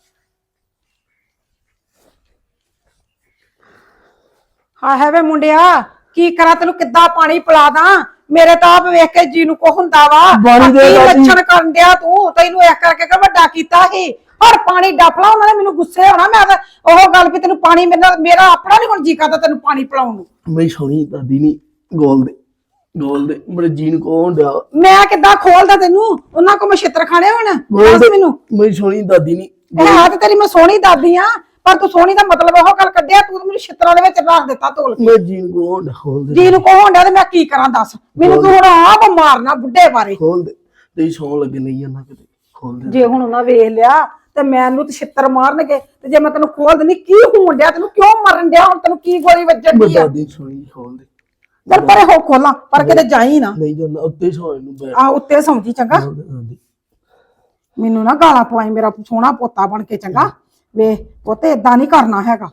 Speaker 2: ਹਾਏ ਵੇ ਮੁੰਡਿਆ, ਕੀ ਕਰਾਂ, ਤੈਨੂੰ ਕਿੱਦਾਂ ਪਾਣੀ ਪਿਲਾ ਦਾਂ? ਮੇਰੇ ਤਾਂ ਆਪ ਵੇਖ ਕੇ ਜੀ ਨੂੰ ਕੋ ਹੁੰਦਾ ਵਾ।
Speaker 1: ਪਾਣੀ ਦੇ
Speaker 2: ਕੀ
Speaker 1: ਦਾਦੀ।
Speaker 2: ਲੱਛਣ ਕਰਨ ਡਿਆ ਤੂੰ? ਤੈਨੂੰ ਇੱਕ ਕਰਕੇ ਕਿ ਵੱਡਾ ਕੀਤਾ ਸੀ, ਔਰ ਪਾਣੀ ਡੱਫਲਾ, ਉਹਨਾਂ ਨੇ ਮੈਨੂੰ ਗੁੱਸੇ ਹੋਣਾ। ਮੈਂ ਤਾਂ ਉਹ ਗੱਲ ਵੀ ਤੈਨੂੰ ਪਾਣੀ ਮੇਰਾ ਆਪਣਾ ਨਹੀਂ ਹੁਣ ਜੀ ਕਰਦਾ ਤੈਨੂੰ ਪਾਣੀ ਪਿਲਾਉਣ ਨੂੰ।
Speaker 1: ਮੇਰੀ ਸੋਹਣੀ ਦਾਦੀ ਨਹੀਂ, ਗੋਲ ਦੇ ਮੇਰੇ ਜੀਨ ਕੋ ਹੁੰਦਿਆ।
Speaker 2: ਮੈਂ ਕਿੱਦਾਂ ਖੋਲਦਾ ਤੈਨੂੰ? ਉਹਨਾਂ ਕੋ ਮੈਂ ਛਿੱਤਰ ਖਾਣੇ ਹੁਣ? ਦੱਸ ਮੈਨੂੰ।
Speaker 1: ਮੇਰੀ ਸੋਹਣੀ ਦਾਦੀ ਨਹੀਂ।
Speaker 2: ਹੈ ਤੇ ਤੇਰੀ ਮੈਂ ਸੋਹਣੀ ਦਾਦੀ ਆ, ਪਰ ਤੂੰ ਸੋਹਣੀ ਦਾ ਮਤਲਬ ਉਹ ਗੱਲ ਕੱਢਿਆ, ਤੂੰ ਮੈਨੂੰ ਛਿੱਤਰਾਂ ਦੇ ਵਿੱਚ ਰੱਖ ਦਿੱਤਾ ਤੋਲ ਕੇ।
Speaker 1: ਮੈਂ ਜੀਨ ਕੋ ਹੁੰਦਾ, ਖੋਲ ਦੇ।
Speaker 2: ਜੀ ਨੂੰ ਕੋ ਹੋਣ ਡਿਆ ਤੇ ਮੈਂ ਕੀ ਕਰਾਂ ਦੱਸ ਮੈਨੂੰ? ਤੂੰ ਹੁਣ ਆਪ ਮਾਰਨਾ ਬੁੱਢੇ ਬਾਰੇ।
Speaker 1: ਖੋਲ ਦੇ, ਤੇਰੀ ਸੌਂ ਲੱਗੇ ਨਹੀਂ ਜਾਂਦਾ ਕਿਤੇ, ਖੋਲ ਦੇ।
Speaker 2: ਜੇ ਹੁਣ ਉਹਨਾਂ ਵੇਖ ਲਿਆ ਤੇ ਮੈਨੂੰ ਤੇ ਛਿੱਤਰ ਮਾਰਨਗੇ, ਤੇ ਜੇ ਮੈਂ ਤੈਨੂੰ ਖੋਲ ਦਿੰਦੀ, ਕੀ ਹੋਣ ਡਿਆ ਤੈਨੂੰ? ਕਿਉਂ ਮਰਨ ਡਿਆ ਹੁਣ? ਤੈਨੂੰ ਕੀ ਗੋਲੀ ਵੱਜਣ ਦੀ ਆ?
Speaker 1: ਦਾਦੀ ਸੋਹਣੀ, ਖੋਲ ਦੇ।
Speaker 2: ਚੱਲ ਪਰੇ ਹੋ, ਖੋਲਾਂ, ਪਰ ਕਿਤੇ ਜਾਈ ਨਾ।
Speaker 1: ਨਹੀਂ ਜਾਂਦਾ, ਉੱਤੇ ਸੌਣ ਨੂੰ ਬੈਠ।
Speaker 2: ਆ ਉੱਤੇ ਸੌਂਦੀ ਚੰਗਾ।
Speaker 1: ਖੋਲ ਦੇ ਦਾਦੀ।
Speaker 2: ਮੈਨੂੰ ਨਾ ਗਾਲਾਂ ਪਵਾਈ, ਮੇਰਾ ਸੋਹਣਾ ਪੋਤਾ ਬਣ ਕੇ ਚੰਗਾ। ਵੇ ਪੋਤੇ, ਏਦਾਂ ਨਹੀਂ ਕਰਨਾ ਹੈਗਾ,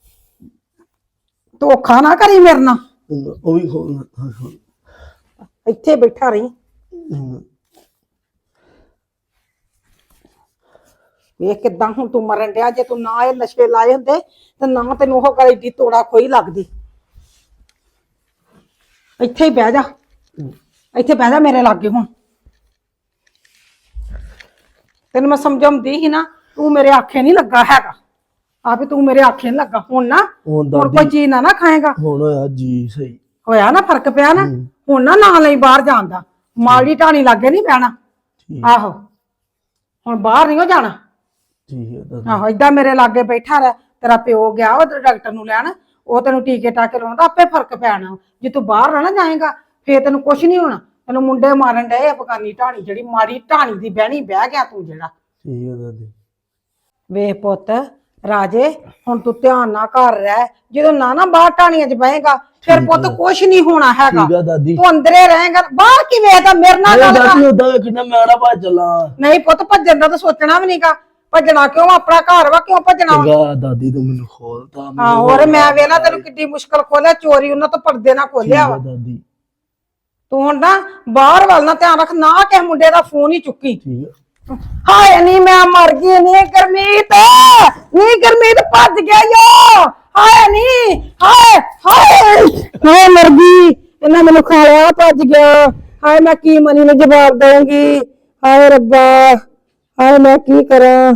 Speaker 2: ਧੋਖਾ ਨਾ ਕਰੀ ਮੇਰੇ ਨਾਲ।
Speaker 1: ਉਹ ਵੀ ਖੋਲ, ਹਾਂ ਖੋਲ।
Speaker 2: ਇੱਥੇ ਬੈਠਾ ਰਹੀ। ਵੇਖ ਕਿੱਦਾਂ ਹੁਣ ਤੂੰ ਮਰਨ ਡਿਆ। ਜੇ ਤੂੰ ਨਾ ਇਹ ਨਸ਼ੇ ਲਾਏ ਹੁੰਦੇ ਤੇ ਨਾ ਤੈਨੂੰ ਉਹ ਗੱਲ ਏਡੀ ਤੋੜਾ ਖੋਈ ਲੱਗਦੀ। ਇੱਥੇ ਹੀ ਬਹਿ ਜਾ, ਇੱਥੇ ਬਹਿ ਜਾ ਮੇਰੇ ਲਾਗੇ। ਹੁਣ ਤੈਨੂੰ ਮੈਂ ਸਮਝਾਉਂਦੀ ਸੀ ਨਾ, ਤੂੰ ਮੇਰੇ ਆਖੇ ਨਹੀਂ ਲੱਗਾ ਹੈਗਾ। ਆਪੇ ਤੂੰ ਮੇਰੇ ਆਖੇ ਨਹੀਂ ਲੱਗਾ। ਹੁਣ ਨਾ ਹੁਣ ਕੋਈ ਚੀਜ਼ ਨਾ ਖਾਏਗਾ।
Speaker 1: ਹੁਣ ਹੋਇਆ ਜੀ ਸਹੀ
Speaker 2: ਹੋਇਆ ਨਾ, ਫਰਕ ਪਿਆ ਨਾ। ਹੁਣ ਨਾ ਲਈ ਬਾਹਰ ਜਾਣ ਦਾ, ਮਾੜੀ ਢਾਣੀ ਲਾਗੇ ਨਹੀਂ ਬਹਿਣਾ। ਆਹੋ, ਹੁਣ ਬਾਹਰ ਨਹੀਂ ਹੋ ਜਾਣਾ।
Speaker 1: ਠੀਕ ਹੈ ਦਾਦੀ।
Speaker 2: ਆਹੋ, ਏਦਾਂ ਮੇਰੇ ਲਾਗੇ ਬੈਠਾ ਰਹਿ। ਤੇਰਾ ਪਿਓ ਗਿਆ ਉਹ ਡਾਕਟਰ ਨੂੰ ਲੈਣ, ਉਹ ਤੈਨੂੰ ਟੀਕੇ ਟਾਕੇ ਲਾਉਂਦਾ, ਆਪੇ ਫਰਕ ਪੈਣਾ। ਜੇ ਤੂੰ ਬਾਹਰ ਰਹਿਣਾ ਜਾਏਗਾ ਫੇਰ ਤੈਨੂੰ ਕੁਛ ਨਹੀਂ ਹੋਣਾ। ਤੈਨੂੰ ਮੁੰਡੇ ਮਾਰਨ ਡਏ ਅਫਗਾਨੀ ਢਾਣੀ, ਜਿਹੜੀ ਮਾੜੀ ਢਾਣੀ ਦੀ ਬਹਿਣੀ ਬਹਿ ਗਿਆ ਤੂੰ ਜਿਹੜਾ।
Speaker 1: ਠੀਕ ਹੈ ਦਾਦੀ।
Speaker 2: ਵੇਖ ਪੁੱਤ ਰਾਜੇ, ਹੁਣ ਤੂੰ ਧਿਆਨ ਨਾਲ ਘਰ ਰਹਿ। ਜਦੋਂ ਨਾ ਬਾਹਰ ਢਾਣੀਆਂ 'ਚ ਬਹੇਗਾ ਫਿਰ ਪੁੱਤ ਕੁਛ ਨਹੀਂ ਹੋਣਾ ਹੈਗਾ।
Speaker 1: ਠੀਕ ਹੈ ਦਾਦੀ।
Speaker 2: ਤੂੰ ਅੰਦਰੇ ਰਹੇਗਾ, ਬਾਹਰ ਕੀ ਵੇਖਦਾ? ਮੇਰੇ ਨਾਲ ਗੱਲ ਕਰ।
Speaker 1: ਦਾਦੀ ਉਦਾਂ ਕਿੰਨਾ ਮੈਂ ਨਾ ਭੱਜ ਚੱਲਾਂ।
Speaker 2: ਨਹੀਂ ਪੁੱਤ, ਭੱਜਣ ਦਾ ਤਾਂ ਸੋਚਣਾ ਵੀ ਨਹੀਂਗਾ। ਭੱਜਣਾ ਕਿਉਂ? ਆਪਣਾ ਘਰ ਵਾ, ਕਿਉਂ ਭੱਜਣਾ ਵਾ?
Speaker 1: ਚੰਗਾ ਦਾਦੀ, ਤੂੰ ਮੈਨੂੰ ਖੋਲਤਾ।
Speaker 2: ਹਾਂ, ਹੋਰ ਮੈਂ ਵੇਲਾ ਤੈਨੂੰ ਕਿੱਡੀ ਮੁਸ਼ਕਲ ਖੋਲਿਆ, ਚੋਰੀ ਉਹਨਾਂ ਤੋਂ ਪਰਦੇ ਨਾਲ ਖੋਲਿਆ ਵਾ।
Speaker 1: ਦਾਦੀ
Speaker 2: ਤੂੰ ਹੁਣ ਨਾ ਬਾਹਰ ਵੱਲ ਨਾ ਧਿਆਨ ਰੱਖ, ਨਾ ਕਿਸੇ ਮੁੰਡੇ ਦਾ ਫੋਨ ਹੀ ਚੁੱਕੀ।
Speaker 1: ਠੀਕ ਹੈ।
Speaker 2: ਹਾਏ ਨੀ, ਮੈਂ ਮਰ ਗਈ ਨੀ ਗੁਰਮੀਤ, ਨੀ ਗੁਰਮੀਤ ਭੱਜ ਗਿਆ ਯੋ। ਹਾਏ ਨੀ, ਹਾਏ ਹਾਏ ਹਾਏ, ਮਰ ਗਈ। ਇਹਨਾਂ ਮੈਨੂੰ ਖਾ ਲਿਆ, ਭੱਜ ਗਿਆ। ਹਾਏ ਮੈਂ ਕੀ ਮਨੀ ਨੂੰ ਜਵਾਬ ਦਊਂਗੀ? ਹਾਏ ਰੱਬਾ, ਹਾਏ ਮੈਂ ਕੀ ਕਰਾਂ?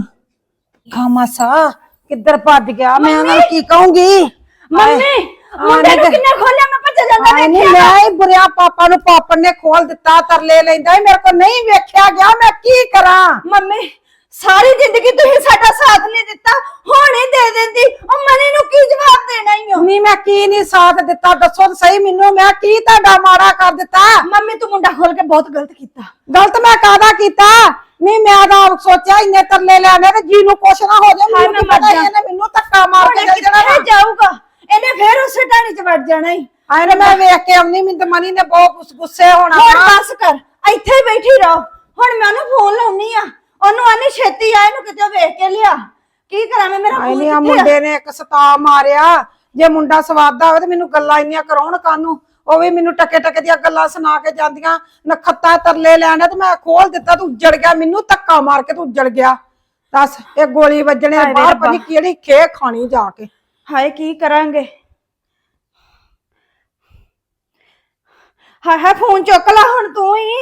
Speaker 2: ਖਾਮਾਸਾ ਕਿੱਧਰ ਭੱਜ ਗਿਆ? ਮੈਂ ਉਹਨਾਂ ਨੂੰ ਕੀ ਕਹੂੰਗੀ?
Speaker 4: ਮੰਮੀ, ਮੁੰਡੇ ਨੂੰ ਕਿੰਨੇ ਖੋਲਿਆ? ਮੈਂ ਭੱਜ ਜਾਂਦਾ
Speaker 2: ਨਹੀਂ,
Speaker 4: ਦੇਖਿਆ।
Speaker 2: ਮੈਂ ਹੀ ਬੁਰਿਆ ਪਾਪਾ ਨੂੰ ਪਾਪਣ ਨੇ ਖੋਲ ਦਿੱਤਾ, ਤਰਲੇ ਲੈਂਦਾ। ਮੇਰੇ ਕੋਲ ਨਹੀਂ ਵੇਖਿਆ ਗਿਆ, ਮੈਂ ਕੀ ਕਰਾਂ?
Speaker 4: ਮੰਮੀ, ਸਾਰੀ ਜ਼ਿੰਦਗੀ ਤੁਸੀਂ ਸਾਡਾ ਸਾਥ ਨਹੀਂ ਦਿੱਤਾ, ਹੁਣ ਹੀ ਦੇ ਦਿੰਦੀ। ਉਹ ਮਨੀ ਨੂੰ ਕੀ ਜਵਾਬ ਦੇਣਾ ਹੀ ਹੋ?
Speaker 2: ਨਹੀਂ, ਮੈਂ ਕੀ ਨਹੀਂ ਸਾਥ ਦਿੱਤਾ? ਦੱਸੋ ਤਾਂ ਸਹੀ ਮੈਨੂੰ, ਮੈਂ ਕੀ ਤੁਹਾਡਾ ਮਾੜਾ ਕਰ ਦਿੱਤਾ?
Speaker 4: ਮੰਮੀ, ਤੂੰ ਮੁੰਡਾ ਖੋਲ ਕੇ ਬਹੁਤ ਗਲਤ ਕੀਤਾ।
Speaker 2: ਗਲਤ ਮੈਂ ਕਾਹਦਾ ਕੀਤਾ? ਨਹੀਂ, ਮੈਂ ਤਾਂ ਸੋਚਿਆ ਇੰਨੇ ਤਰਲੇ ਲੈਣੇ ਤੇ ਜੀ ਨੂੰ ਕੁਛ ਨਾ ਹੋ ਜਾਏ।
Speaker 4: ਹਾਏ,
Speaker 2: ਮੈਨੂੰ
Speaker 4: ਮੈਂ
Speaker 2: ਕੀ
Speaker 4: ਮਰ
Speaker 2: ਪਤਾ
Speaker 4: ਜਾ।
Speaker 2: ਇਹਨੇ ਮੈਨੂੰ ਧੱਕਾ ਮਾਰ ਕੇ
Speaker 4: ਹੁਣ
Speaker 2: ਚੱਲ ਜਾਣਾ
Speaker 4: ਕਿੱਥੇ ਜਾਊਗਾ? ਇਹਨੇ ਫੇਰ ਉਸੇ ਢਾਣੀ 'ਚ ਵੜ ਜਾਣਾ ਹੀ।
Speaker 2: ਆਏ ਨੇ, ਮੈਂ ਵੇਖ ਕੇ ਆਉਣੀ, ਮੈਨੂੰ ਤਾਂ ਮਨੀ ਨੇ ਬਹੁਤ ਗੁੱਸੇ ਹੋਣਾ
Speaker 4: ਹੁਣ
Speaker 2: ਵਾ।
Speaker 4: ਬਸ ਕਰ, ਇੱਥੇ ਹੀ ਬੈਠੀ ਰਹੋ। ਹੁਣ ਮੈਂ ਉਹਨੂੰ ਫੋਨ ਲਾਉਣੀ ਆ, ਉਹਨੂੰ ਆਨੀ ਛੇਤੀ ਆ, ਇਹਨੂੰ ਕਿਤੇ ਵੇਖ ਕੇ ਲਿਆ। ਕੀ ਕਰਾਂ ਮੈਂ? ਮੇਰਾ
Speaker 2: ਆਏ
Speaker 4: ਫੋਨ
Speaker 2: ਨੇ, ਆ
Speaker 4: ਕਿੱਥੇ ਆ?
Speaker 2: ਮੁੰਡੇ ਨੇ ਇੱਕ ਸਤਾ ਮਾਰਿਆ। ਜੇ ਮੁੰਡਾ ਸਵਾਦਾ ਹੋਵੇ ਤੇ ਮੈਨੂੰ ਗੱਲਾਂ ਇੰਨੀਆਂ ਕਰਾਉਣ ਕਾਨੂੰ। ਉਹ ਵੀ ਮੈਨੂੰ ਟਕੇ ਟਕੇ ਦੀਆਂ ਗੱਲਾਂ ਸੁਣਾ ਕੇ ਜਾਂਦੀਆਂ, ਨਖੱਤਾ ਤਰਲੇ ਲੈਣਾ। ਤੇ ਮੈਂ ਖੋਲ ਦਿੱਤਾ, ਤੂੰ ਉੱਜੜ ਗਿਆ। ਮੈਨੂੰ ਧੱਕਾ ਮਾਰ ਕੇ ਤੂੰ ਉੱਜੜ ਗਿਆ। ਦੱਸ, ਇਹ ਗੋਲੀ ਵੱਜਣੇ
Speaker 4: ਹਾਏ ਵੇ
Speaker 2: ਬਾਹਰ
Speaker 4: ਰੱਬਾ।
Speaker 2: ਪਣੀ ਕਿਹੜੀ ਖੇ ਖਾਣੀ ਜਾ ਕੇ।
Speaker 4: ਹਾਏ ਕੀ ਕਰਾਂਗੇ? ਹਾਏ ਹਾਏ ਫੋਨ ਚੁੱਕ ਲਾ ਹੁਣ ਤੂੰ ਹੀ।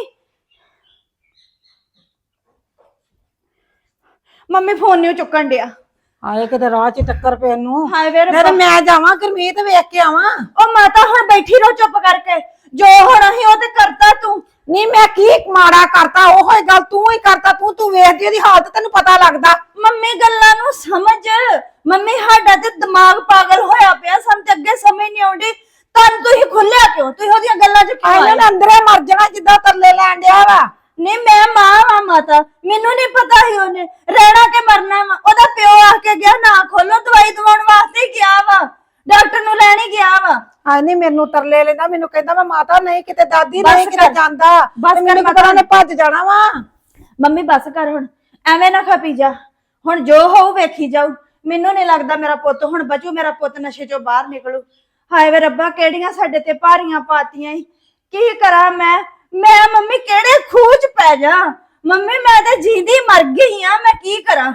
Speaker 4: ਮੰਮੀ ਫੋਨ ਨਹੀਂ ਚੁੱਕਣ ਡਿਆ।
Speaker 2: ਆਏ ਕਿਤੇ ਰਾਹ 'ਚ ਟੱਕਰ ਪੈਣ ਨੂੰ।
Speaker 4: ਹਾਏ ਵੇ ਰੱਬਾ।
Speaker 2: ਫਿਰ ਮੈਂ ਜਾਵਾਂ ਗੁਰਮੀਤ ਵੇਖ ਕੇ ਆਵਾਂ।
Speaker 4: ਉਹ ਮਾਤਾ ਹੁਣ ਬੈਠੀ ਰਹੋ ਚੁੱਪ ਕਰਕੇ, ਜੋ ਹੋਣਾ ਸੀ ਉਹ ਤੇ ਕਰਤਾ ਤੂੰ।
Speaker 2: ਨਹੀਂ ਮੈਂ ਕੀ ਮਾੜਾ ਕਰਤਾ, ਉਹੋ ਹੀ ਗੱਲ ਤੂੰ ਹੀ ਕਰਤਾ। ਤੂੰ ਵੇਖਦੀ ਉਹਦੀ ਹਾਲਤ ਤੈਨੂੰ ਪਤਾ ਲੱਗਦਾ।
Speaker 4: ਮੰਮੀ ਗੱਲਾਂ ਨੂੰ ਸਮਝ। ਮੰਮੀ ਸਾਡਾ ਤੇ ਦਿਮਾਗ ਪਾਗਲ ਹੋਇਆ ਪਿਆ, ਸਾਨੂੰ ਤੇ ਅੱਗੇ ਸਮਝ ਨਹੀਂ ਆਉਂਦੀ। ਤੁਹਾਨੂੰ ਤੁਸੀਂ ਖੁੱਲਿਆ ਕਿਉਂ? ਤੁਸੀਂ ਉਹਦੀਆਂ ਗੱਲਾਂ 'ਚ ਕਿਉਂ ਆਏ?
Speaker 2: ਇਹਨਾਂ ਨੇ ਅੰਦਰੇ ਮਰ ਜਾਣਾ ਜਿੱਦਾਂ ਤਰਲੇ ਲੈਣ ਡਿਆ ਵਾ।
Speaker 4: ਨਹੀਂ ਮੈਂ ਮਾਂ ਵਾ ਮਾਤਾ, ਮੈਨੂੰ ਨਹੀਂ ਪਤਾ ਸੀ ਉਹਨੇ ਰਹਿਣਾ ਕਿ ਮਰਨਾ ਵਾ। ਉਹਦਾ ਪਿਓ ਆ ਕੇ ਗਿਆ ਨਾ ਖੋਲੋ, ਦਵਾਈ ਦਵਾਉਣ ਵਾਸਤੇ ਹੀ ਗਿਆ ਵਾ, ਡਾਕਟਰ ਨੂੰ ਲੈਣ ਹੀ ਗਿਆ ਵਾ।
Speaker 2: ਹਾਂ ਨਹੀਂ ਮੈਨੂੰ ਤਰਲੇ ਲੈਂਦਾ, ਮੈਨੂੰ ਕਹਿੰਦਾ ਮੈਂ ਮਾਤਾ ਨਹੀਂ ਕਿਤੇ ਦਾਦੀ
Speaker 4: ਬਸ
Speaker 2: ਨਹੀਂ ਕਿਤੇ
Speaker 4: ਕਰ।
Speaker 2: ਜਾਂਦਾ।
Speaker 4: ਬਸ
Speaker 2: ਤੇ ਮੈਨੂੰ
Speaker 4: ਕਰ
Speaker 2: ਪਤਾ ਉਹਨੇ ਭੱਜ ਜਾਣਾ ਵਾ।
Speaker 4: ਮੰਮੀ ਬਸ ਕਰ ਹੁਣ, ਐਵੇਂ ਨਾ ਖਪੀ ਜਾ। ਹੁਣ ਜੋ ਹੋਊ ਵੇਖੀ ਜਾਊ। ਮੈਨੂੰ ਨਹੀਂ ਲੱਗਦਾ ਮੇਰਾ ਪੁੱਤ ਹੁਣ ਬਚੂ, ਮੇਰਾ ਪੁੱਤ ਨਸ਼ੇ ਚੋਂ ਬਾਹਰ ਨਿਕਲੂ। ਹਾਏ ਵੇ ਰੱਬਾ, ਕਿਹੜੀਆਂ ਸਾਡੇ ਤੇ ਭਾਰੀਆਂ ਪਾਤੀਆਂ ਈ। ਕੀ ਕਰਾਂ ਮੈਂ ਮੰਮੀ ਕਿਹੜੇ ਖੂਹ 'ਚ ਪੈ ਜਾ। ਮੰਮੀ ਮੈਂ ਤੇ ਜੀਂਦੀ ਮਰ ਗਈ ਆ, ਮੈਂ ਕੀ ਕਰਾਂ?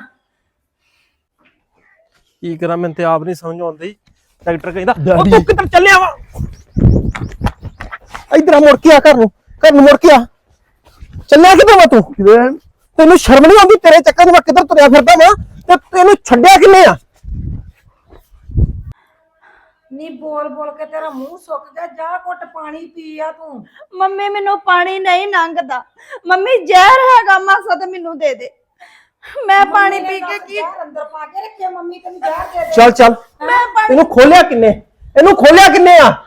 Speaker 3: ਕੀ ਕਰਾਂ, ਮੈਨੂੰ ਤੇ ਆਪ ਨਹੀਂ ਸਮਝ ਆਉਂਦੀ। ਡਾਕਟਰ ਕਹਿੰਦਾ
Speaker 1: ਡੈਡੀ।
Speaker 3: ਤੂੰ ਕਿੱਧਰ ਚੱਲਿਆ ਵਾ? ਇਧਰ ਮੁੜ ਕੇ ਆ, ਘਰ ਨੂੰ ਮੁੜ ਕੇ ਆ। ਚੱਲਿਆ ਕਿੱਧਰ ਵਾ ਤੂੰ? ਤੈਨੂੰ ਸ਼ਰਮ ਨਹੀਂ ਆਉਂਦੀ? ਤੇਰੇ ਚੱਕਰ 'ਚ ਮੈਂ ਕਿੱਧਰ ਤੁਰਿਆ ਫਿਰਦਾ ਵਾ ਤੇ ਤੈਨੂੰ ਛੱਡਿਆ ਕਿੰਨੇ ਆ?
Speaker 2: ਨੀ ਬੋਲ ਬੋਲ ਕੇ ਤੇਰਾ ਮੂੰਹ ਸੁੱਕ ਗਿਆ। ਜਾ ਘੁੱਟ ਪਾਣੀ ਪੀ ਆ ਤੂੰ।
Speaker 4: ਮੰਮੀ ਮੈਨੂੰ ਪਾਣੀ ਨਹੀਂ ਲੰਘਦਾ। ਮੰਮੀ ਜ਼ਹਿਰ ਹੈਗਾ ਮਾਸਾ ਤੇ ਮੈਨੂੰ ਦੇ ਦੇ, ਮੈਂ ਪਾਣੀ ਪੀ ਕੇ ਕੀ।
Speaker 2: ਜ਼ਹਿਰ ਅੰਦਰ ਪਾ ਕੇ ਰੱਖਿਆ ਮੰਮੀ ਤੈਨੂੰ ਜ਼ਹਿਰ ਦੇ ਦੇ।
Speaker 3: ਚੱਲ ਚੱਲ,
Speaker 4: ਮੈਂ ਪਾਣੀ
Speaker 3: ਇਹਨੂੰ ਖੋਲਿਆ ਕਿੰਨੇ? ਇਹਨੂੰ ਖੋਲਿਆ ਕਿੰਨੇ ਆ?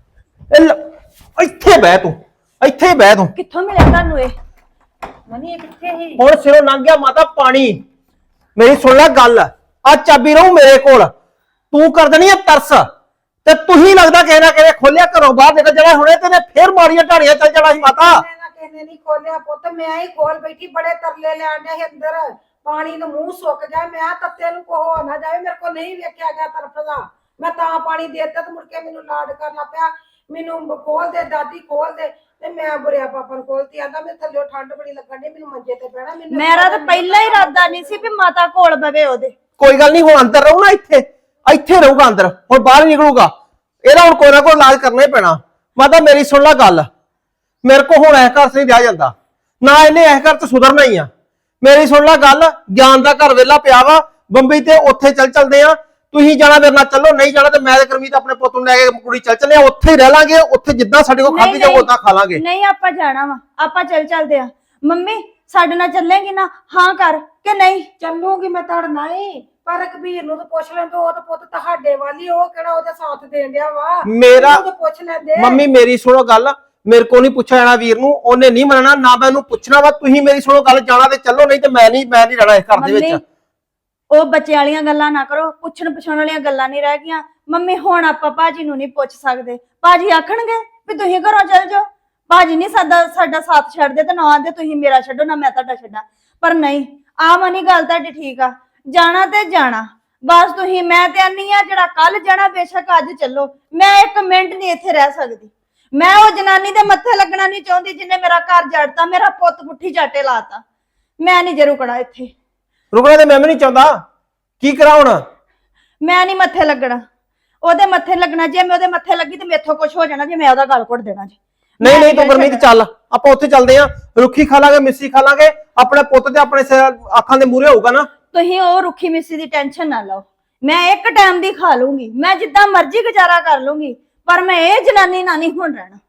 Speaker 3: ਇੱਥੇ ਬਹਿ ਤੂੰ, ਇੱਥੇ ਹੀ ਬਹਿ ਤੂੰ।
Speaker 4: ਕਿੱਥੋਂ ਮਿਲਿਆ ਤੁਹਾਨੂੰ ਇਹ?
Speaker 2: ਮਨੀ ਇਹ ਕਿੱਥੇ ਹੀ?
Speaker 3: ਹੁਣ ਸਿਰੋਂ ਲੰਘ ਗਿਆ ਮਾਤਾ ਪਾਣੀ। ਮੇਰੀ ਸੁਣ ਲੈ ਗੱਲ, ਆ ਚਾਬੀ ਰਹੂ ਮੇਰੇ ਕੋਲ। ਤੂੰ ਕਰ ਦੇਣੀ ਆ ਤਰਸ ਤੇ ਤੁਸੀਂ ਲੱਗਦਾ ਕਿਸੇ ਨਾ ਕਿਸੇ ਖੋਲਿਆ ਘਰੋਂ ਬਾਹਰ ਨਿਕਲ ਜਾਣਾ ਹੁਣੇ ਤੇ ਫੇਰ ਮਾਰੀਆਂ ਢਾਣੀਆਂ ਚੱਲ ਜਾਣਾ ਸੀ ਮਾਤਾ।
Speaker 2: ਮੈਂ ਨਾ ਕਿਸੇ ਨਹੀਂ ਖੋਲਿਆ ਪੁੱਤ, ਮੈਂ ਹੀ ਖੋਲ ਬੈਠੀ। ਬੜੇ ਤਰਲੇ ਲੈਣ ਡਿਆ ਸੀ ਅੰਦਰ। ਪਾਣੀ ਨੂੰ ਮੂੰਹ ਸੁੱਕ ਗਿਆ। ਮੈਂ ਤੱਤੇ ਨੂੰ ਕੋਹ ਨਾ ਜਾਵੇ, ਮੇਰੇ ਕੋਲ ਨਹੀਂ ਵੇਖਿਆ ਗਿਆ ਤਰਫਦਾ। ਮੈਂ ਤਾਂ ਪਾਣੀ ਦੇਤਾ ਤੇ ਮੁੜ ਕੇ ਮੈਨੂੰ ਲਾਡ ਕਰਨਾ ਪਿਆ। ਮੈਨੂੰ ਖੋਲ ਦੇ ਦਾਦੀ, ਖੋਲ ਦੇ। ਤੇ ਮੈਂ ਬੁਰਿਆ ਪਾਪਾ ਨੂੰ ਖੋਲਤੀ। ਆਂਦਾ ਮੈਂ ਥੱਲੇ ਠੰਡ ਬੜੀ ਲੱਗਣ ਡਈ, ਮੈਨੂੰ ਮੰਜੇ ਤੇ ਪੈਣਾ। ਮੈਨੂੰ
Speaker 4: ਮੇਰਾ ਤਾਂ ਪਹਿਲਾਂ ਹੀ ਇਰਾਦਾ ਨਹੀਂ ਸੀ ਵੀ ਮਾਤਾ ਕੋਲ ਬਵੇ ਉਹਦੇ।
Speaker 3: ਕੋਈ ਗੱਲ ਨਹੀਂ, ਹੁਣ ਅੰਦਰ ਰਹੂ ਨਾ, ਇੱਥੇ ਰਹੂਗਾ ਅੰਦਰ, ਹੁਣ ਬਾਹਰ ਨਿਕਲੂਗਾ। ਇਹਦਾ ਹੁਣ ਕੋਈ ਨਾ ਕੋਈ ਇਲਾਜ ਕਰਨਾ ਹੀ ਪੈਣਾ। ਮਾਤਾ ਮੇਰੀ ਸੁਣ ਲੈ ਗੱਲ, ਮੇਰੇ ਕੋ ਹੁਣ ਇਸ ਘਰ 'ਚ ਨਹੀਂ ਰਿਹਾ ਜਾਂਦਾ, ਨਾ ਇਹਨੇ ਇਸ ਘਰ 'ਚ ਸੁਧਰਨਾ ਹੀ ਆ। ਮੇਰੀ ਸੁਣ ਲੈ ਗੱਲ, ਗਿਆਨ ਦਾ ਘਰ ਵਿਹਲਾ ਪਿਆ ਵਾ ਬੰਬਈ ਤੇ, ਉੱਥੇ ਚੱਲਦੇ ਆ। ਤੁਸੀਂ ਜਾਣਾ ਮੇਰੇ ਨਾਲ ਚੱਲੋ, ਨਹੀਂ ਜਾਣਾ ਤੇ ਮੈਂ ਤੇ ਕਰਮੀਤ ਆਪਣੇ ਪੁੱਤ ਨੂੰ ਲੈ ਕੇ ਕੁੜੀ ਚੱਲੇ ਆ। ਉੱਥੇ ਹੀ ਰਹਿ ਲਾਂਗੇ, ਉੱਥੇ ਜਿੱਦਾਂ ਸਾਡੇ ਕੋਲ ਖਾਧੀ ਜਾਊ ਉਦਾਂ ਖਾ ਲਾਂਗੇ।
Speaker 4: ਨਹੀਂ ਆਪਾਂ ਜਾਣਾ ਵਾ, ਆਪਾਂ ਚੱਲਦੇ ਆ। ਮੰਮੀ ਸਾਡੇ ਨਾਲ ਚੱਲੇਗੀ ਨਾ? ਹਾਂ ਕਰ ਕਿ ਨਹੀਂ?
Speaker 2: ਚੱਲੂਗੀ ਮੈਂ ਤੜ ਨਹੀਂ, ਪਰ ਕਬੀਰ ਨੂੰ ਤਾਂ ਪੁੱਛ ਲੈਂਦੇ। ਉਹ ਤਾਂ ਪੁੱਤ ਤੁਹਾਡੇ ਵਾਲੀ, ਉਹ ਕਿਹੜਾ ਉਹਦੇ ਸਾਥ ਦੇਣ ਡਿਆ ਵਾ।
Speaker 3: ਮੇਰਾ
Speaker 2: ਉਹਨੂੰ ਤਾਂ ਪੁੱਛ ਲੈਂਦੇ।
Speaker 3: ਮੰਮੀ ਮੇਰੀ ਸੁਣੋ ਗੱਲ, ਮੇਰੇ ਕੋ ਨਹੀਂ ਪੁੱਛਿਆ ਜਾਣਾ ਵੀਰ ਨੂੰ, ਉਹਨੇ ਨਹੀਂ ਮੰਨਣਾ, ਨਾ ਮੈਂ ਉਹਨੂੰ ਪੁੱਛਣਾ ਵਾ। ਤੁਸੀਂ ਮੇਰੀ ਸੁਣੋ ਗੱਲ, ਜਾਣਾ ਤੇ ਚੱਲੋ, ਨਹੀਂ ਤੇ ਮੈਂ ਨਹੀਂ ਰਹਿਣਾ ਇਸ ਘਰ ਦੇ ਵਿੱਚ।
Speaker 4: ਉਹ ਬੱਚੇ ਵਾਲੀਆਂ ਗੱਲਾਂ ਨਾ ਕਰੋ, ਪੁੱਛਣ ਪਛਾਣ ਵਾਲੀਆਂ ਗੱਲਾਂ ਨਹੀਂ ਰਹਿ ਗਈਆਂ। ਮੰਮੀ ਹੁਣ ਆਪਾਂ ਭਾਜੀ ਨੂੰ ਨਹੀਂ ਪੁੱਛ ਸਕਦੇ। ਭਾਜੀ ਆਖਣਗੇ ਵੀ ਤੁਸੀਂ ਘਰੋਂ ਚੱਲ ਜਾਓ। ਭਾਜੀ ਨਹੀਂ ਸਾਡਾ ਸਾਥ ਛੱਡਦੇ ਤੇ ਨਾ ਆਂਦੇ ਤੁਸੀਂ ਮੇਰਾ ਛੱਡੋ ਨਾ ਮੈਂ ਤੁਹਾਡਾ ਛੱਡਾਂ। ਪਰ ਨਹੀਂ, ਆ ਮਨੀ ਗੱਲ ਤੁਹਾਡੀ ਠੀਕ ਆ, ਜਾਣਾ ਤੇ ਜਾਣਾ ਬਸ ਤੁਸੀਂ। ਮੈਂ ਤੇ ਆਨੀ ਆ ਜਿਹੜਾ ਕੱਲ ਜਾਣਾ ਬੇਸ਼ੱਕ ਅੱਜ ਚੱਲੋ, ਮੈਂ ਇੱਕ ਮਿੰਟ ਨਹੀਂ ਇੱਥੇ ਰਹਿ ਸਕਦੀ। ਮੈਂ ਉਹ ਜਨਾਨੀ ਦੇ ਮੱਥੇ ਲੱਗਣਾ ਨਹੀਂ ਚਾਹੁੰਦੀ ਜਿਹਨੇ ਮੇਰਾ ਘਰ ਜੜਤਾ, ਮੇਰਾ ਪੁੱਤ ਪੁੱਠੀ ਝਾਟੇ ਲਾਤਾ। ਮੈਂ ਨਹੀਂ ਜੇ ਰੁਕਣਾ ਇੱਥੇ।
Speaker 3: ਰੁਕਣਾ ਤੇ ਮੈਂ ਵੀ ਨਹੀਂ ਚਾਹੁੰਦਾ, ਕੀ ਕਰਾਂ ਹੁਣ?
Speaker 4: ਮੈਂ ਨਹੀਂ ਮੱਥੇ ਲੱਗਣਾ, ਉਹਦੇ ਮੱਥੇ ਲੱਗਣਾ। ਜੇ ਮੈਂ ਉਹਦੇ ਮੱਥੇ ਲੱਗੀ ਤੇ ਮੇਥੋਂ ਕੁਝ ਹੋ ਜਾਣਾ, ਜੇ ਮੈਂ ਉਹਦਾ ਗਲ ਘੁੱਟ ਦੇਣਾ ਜੀ।
Speaker 3: ਨਹੀਂ ਤੂੰ ਗੁਰਮੀਤ ਚੱਲ, ਆਪਾਂ ਉੱਥੇ ਚੱਲਦੇ ਆ। ਰੁੱਖੀ ਖਾ ਲਾਂਗੇ, ਮਿੱਸੀ ਖਾ ਲਾਂਗੇ, ਆਪਣੇ ਪੁੱਤ ਤੇ ਆਪਣੇ ਅੱਖਾਂ ਦੇ ਮੂਹਰੇ ਹੋਊਗਾ ਨਾ।
Speaker 4: ਤੁਸੀਂ ਉਹ ਰੁੱਖੀ ਮਿੱਸੀ ਦੀ ਟੈਨਸ਼ਨ ਨਾ ਲਓ, ਮੈਂ ਇੱਕ ਟਾਈਮ ਦੀ ਖਾ ਲੂੰਗੀ, ਮੈਂ ਜਿੱਦਾਂ ਮਰਜ਼ੀ ਗੁਜ਼ਾਰਾ ਕਰ ਲੂੰਗੀ। ਪਰ ਮੈਂ ਇਹ ਜਨਾਨੀ ਨਾਲ ਨਹੀਂ ਹੁਣ ਰਹਿਣਾ।